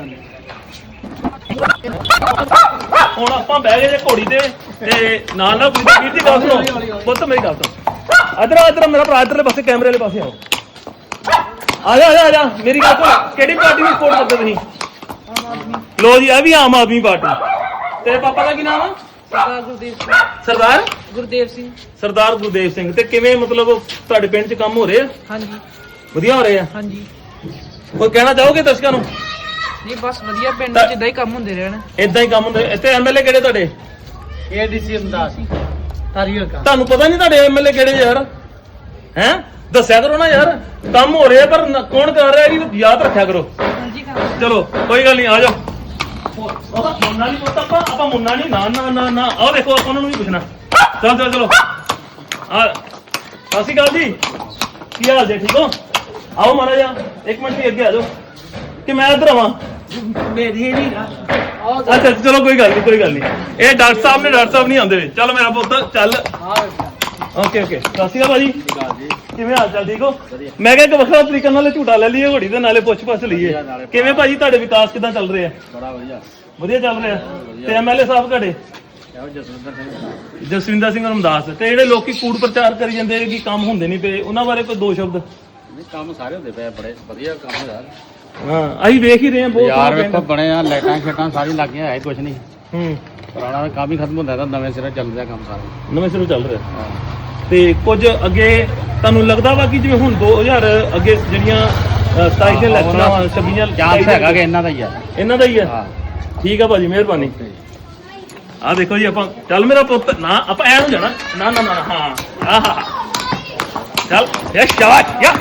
Speaker 1: ਹੁਣ ਆਪਾਂ ਬਹਿ ਗਏ ਜੇ ਘੋੜੀ ਤੇ ਤੇ ਨਾਲ ਨਾਲ ਕੋਈ ਵੀਰ ਦੀ ਗੱਲ ਸੁਣੋ ਪੁੱਤ ਮੇਰੀ ਗੱਲ ਸੁਣ ਇਧਰ ਆ ਇਧਰ ਮੇਰਾ ਭਰਾ ਇਧਰਲੇ ਪਾਸੇ ਕੈਮਰੇ ਵਾਲੇ ਪਾਸੇ ਆਓ ਆ ਜਾ ਆ ਜਾ ਆ ਜਾ ਮੇਰੀ ਗੱਲ ਸੁਣ ਕਿਹੜੀ ਪਾਰਟੀ ਨੂੰ ਸਪੋਰਟ ਕਰਦੇ ਤੁਸੀਂ ਲੋ ਜੀ ਆ ਵੀ ਆਮ ਆਦਮੀ ਪਾਰਟੀ ਤੇਰੇ ਪਾਪਾ ਦਾ ਕੀ ਨਾਮ ਆ
Speaker 3: ਸਰਦਾਰ ਗੁਰਦੇਵ ਸਿੰਘ
Speaker 1: ਸਰਦਾਰ
Speaker 3: ਗੁਰਦੇਵ ਸਿੰਘ
Speaker 1: ਸਰਦਾਰ ਗੁਰਦੇਵ ਸਿੰਘ ਤੇ ਕਿਵੇਂ ਮਤਲਬ ਤੁਹਾਡੇ ਪਿੰਡ 'ਚ ਕੰਮ ਹੋ ਰਹੇ ਆ
Speaker 3: ਹਾਂਜੀ
Speaker 1: ਵਧੀਆ ਹੋ ਰਹੇ ਆ
Speaker 3: ਹਾਂਜੀ
Speaker 1: ਕੋਈ ਕਹਿਣਾ ਚਾਹੋਗੇ ਦਰਸ਼ਕਾਂ ਨੂੰ
Speaker 3: ਨਹੀਂ ਬਸ ਵਧੀਆ ਪਿੰਡ ਵਿੱਚ ਇਦਾਂ ਹੀ ਕੰਮ ਹੁੰਦੇ ਰਹਿਣ
Speaker 1: ਇਦਾਂ ਹੀ ਕੰਮ ਹੁੰਦੇ ਇੱਥੇ ਐਮਐਲਏ ਕਿਹੜੇ ਤੁਹਾਡੇ
Speaker 5: ਏਡੀਸੀ ਅੰਦਾਜ਼ ਤਾਰੀਰ ਕਾ
Speaker 1: ਤੁਹਾਨੂੰ ਪਤਾ ਨਹੀਂ ਤੁਹਾਡੇ ਐਮਐਲਏ ਕਿਹੜੇ ਯਾਰ ਹੈ ਦੱਸਿਆ ਕਰੋ ਨਾ ਯਾਰ ਕੰਮ ਹੋ ਰਿਹਾ ਪਰ ਨ- ਕੌਣ ਕਰ ਰਿਹਾ ਇਹ ਯਾਦ ਰੱਖਿਆ ਕਰੋ
Speaker 3: ਹਾਂਜੀ ਕੰਮ
Speaker 1: ਚਲੋ ਕੋਈ ਗੱਲ ਨਹੀਂ ਆ ਜਾਓ ਉਹ ਮੁੰਨਾ ਨਹੀਂ ਪੁੱਤ ਆਪਾਂ ਆਪਾਂ ਮੁੰਨਾ ਨਹੀਂ ਨਾ ਨਾ ਨਾ ਨਾ ਆਹ ਦੇਖੋ ਆਪਾਂ ਉਹਨਾਂ ਨੂੰ ਵੀ ਪੁੱਛਣਾ ਚਲੋ ਚਲੋ ਚਲੋ ਆ ਸਤਿ ਸ਼੍ਰੀ ਅਕਾਲ ਜੀ ਕੀ ਹਾਲ ਜੀ ਠੀਕ ਹੋ ਆਓ ਮਾੜਾ ਜਿਹਾ ਇੱਕ ਮਿੰਟ ਵੀ ਅੱਗੇ ਆ ਜਾਓ ਕਿ ਮੈਂ ਇੱਧਰ ਆਵਾਂ
Speaker 5: ਮੇਰੀ ਨਹੀਂ
Speaker 1: ਅੱਛਾ ਚਲੋ ਕੋਈ ਗੱਲ ਨਹੀਂ ਕੋਈ ਗੱਲ ਨਹੀਂ ਇਹ ਡਾਕਟਰ ਸਾਹਿਬ ਨੇ ਡਾਕਟਰ ਸਾਹਿਬ ਨਹੀਂ ਆਉਂਦੇ ਵੇ ਚੱਲ ਮੇਰਾ ਪੁੱਤ ਚੱਲ ਓਕੇ ਓਕੇ ਸਤਿ ਸ਼੍ਰੀ ਅਕਾਲ ਭਾਜੀ ਕਿਵੇਂ ਹਾਲ ਚਾਲ ਠੀਕ ਹੋ ਮੈਂ ਕਿਹਾ ਇੱਕ ਵੱਖਰਾ ਤਰੀਕੇ ਨਾਲ ਝੂਟਾ ਲੈ ਲਈਏ ਘੋੜੀ ਦੇ ਨਾਲੇ ਪੁੱਛ ਪੁੱਛ ਲਈਏ ਕਿਵੇਂ ਭਾਜੀ ਤੁਹਾਡੇ ਵਿਕਾਸ ਕਿਦਾਂ ਚੱਲ ਰਹੇ ਆ
Speaker 5: ਬੜਾ ਵਧੀਆ
Speaker 1: ਵਧੀਆ ਚੱਲ ਰਿਹਾ ਤੇ ਐਮਐਲਏ ਸਾਹਿਬ ਤੁਹਾਡੇ
Speaker 5: ਜਸਵਿੰਦਰ ਸਿੰਘ
Speaker 1: ਜਸਵਿੰਦਰ ਸਿੰਘ ਰਮਦਾਸ ਤੇ ਜਿਹੜੇ ਲੋਕੀ ਕੂੜ ਪ੍ਰਚਾਰ ਕਰੀ ਜਾਂਦੇ ਕਿ ਕੰਮ ਹੁੰਦੇ ਨਹੀਂ ਪਏ ਉਹਨਾਂ ਬਾਰੇ ਕੋਈ ਦੋ ਸ਼ਬਦ
Speaker 5: ਨਹੀਂ ਕੰਮ ਸਾਰੇ ਹੁੰਦੇ ਪਏ ਬੜੇ ਵਧੀਆ ਕੰਮ ਯਾਰ
Speaker 1: ਹਾਂ ਅਸੀਂ ਵੇਖ ਹੀ ਰਹੇ ਹਾਂ ਬਹੁਤ
Speaker 5: ਯਾਰ
Speaker 1: ਸੋਹਣਾ
Speaker 5: ਵੇਖੋ
Speaker 1: ਪਿੰਡ।
Speaker 5: ਬਣੇ ਆ ਲਾਈਟਾਂ ਸ਼ੇਟਾਂ ਸਾਰੀ ਲੱਗੀਆਂ ਹੈ ਕੁਝ ਨਹੀਂ
Speaker 1: ਹੂੰ
Speaker 5: ਪੁਰਾਣਾ ਕੰਮ ਹੀ ਖਤਮ ਹੁੰਦਾ ਤਾਂ ਨਵੇਂ ਸਿਰੇ ਚੱਲ ਰਿਹਾ ਕੰਮ ਸਾਰਾ
Speaker 1: ਨਵੇਂ ਸਿਰੋਂ ਚੱਲ ਰਿਹਾ ਤੇ ਕੁਝ ਅੱਗੇ ਤੁਹਾਨੂੰ ਲੱਗਦਾ ਵਾ ਕਿ ਜਿਵੇਂ ਹੁਣ ਦੋ ਹਜ਼ਾਰ ਅੱਗੇ ਜਿਹੜੀਆਂ ਅ, ਸਤਾਈ ਦੇ ਇਲੈਕਸ਼ਨਾਂ ਵਾ ਛੱਬੀਆਂ
Speaker 5: ਚਾਂਸ ਹੈਗਾ ਕਿ ਇਹਨਾਂ ਦਾ ਹੀ ਆ
Speaker 1: ਇਹਨਾਂ ਦਾ ਹੀ ਹੈ
Speaker 5: ਹਾਂ
Speaker 1: ਠੀਕ ਆ ਭਾਜੀ ਮਿਹਰਬਾਨੀ ਆ ਦੇਖੋ ਜੀ ਆਪਾਂ ਚੱਲ ਮੇਰਾ ਪੁੱਤ ਨਾ ਆਪਾਂ ਐ ਨੂੰ ਜਾਣਾ ਨਾ ਨਾ ਨਾ ਹਾਂ ਆਹਾ ਚੱਲ ਯਾ ਸ਼ਾਬਾਸ਼ ਯਾ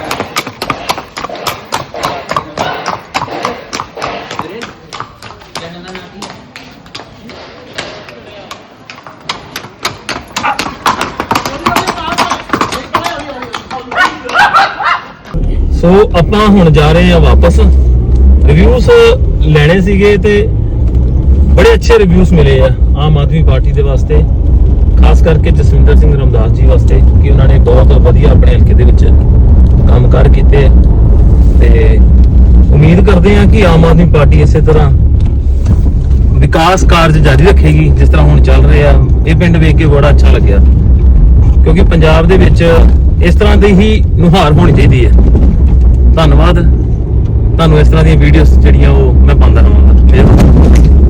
Speaker 1: ਸੋ ਆਪਾਂ ਹੁਣ ਜਾ ਰਹੇ ਹਾਂ ਵਾਪਸ ਰਿਵਿਊਜ਼ ਲੈਣੇ ਸੀਗੇ ਤੇ ਬੜੇ ਅੱਛੇ ਰਿਵਿਊਜ਼ ਮਿਲੇ ਆ ਆਮ ਆਦਮੀ ਪਾਰਟੀ ਦੇ ਵਾਸਤੇ ਖਾਸ ਕਰਕੇ ਜਸਵਿੰਦਰ ਸਿੰਘ ਰਮਦਾਸ ਜੀ ਵਾਸਤੇ ਕਿ ਉਹਨਾਂ ਨੇ ਬਹੁਤ ਵਧੀਆ ਆਪਣੇ ਹਲਕੇ ਦੇ ਵਿੱਚ ਕੰਮਕਾਰ ਕੀਤੇ ਤੇ ਉਮੀਦ ਕਰਦੇ ਹਾਂ ਕਿ ਆਮ ਆਦਮੀ ਪਾਰਟੀ ਇਸੇ ਤਰ੍ਹਾਂ ਵਿਕਾਸ ਕਾਰਜ ਜਾਰੀ ਰੱਖੇਗੀ ਜਿਸ ਤਰ੍ਹਾਂ ਹੁਣ ਚੱਲ ਰਹੇ ਆ ਇਹ ਪਿੰਡ ਵੇਖ ਕੇ ਬੜਾ ਅੱਛਾ ਲੱਗਿਆ ਕਿਉਂਕਿ ਪੰਜਾਬ ਦੇ ਵਿੱਚ ਇਸ ਤਰ੍ਹਾਂ ਦੀ ਹੀ ਨੁਹਾਰ ਹੋਣੀ ਚਾਹੀਦੀ ਹੈ ਧੰਨਵਾਦ ਤੁਹਾਨੂੰ ਇਸ ਤਰ੍ਹਾਂ ਦੀਆਂ ਵੀਡੀਓਜ਼ ਜਿਹੜੀਆਂ ਉਹ ਮੈਂ ਪਾਉਂਦਾ ਰਹਾਂਗਾ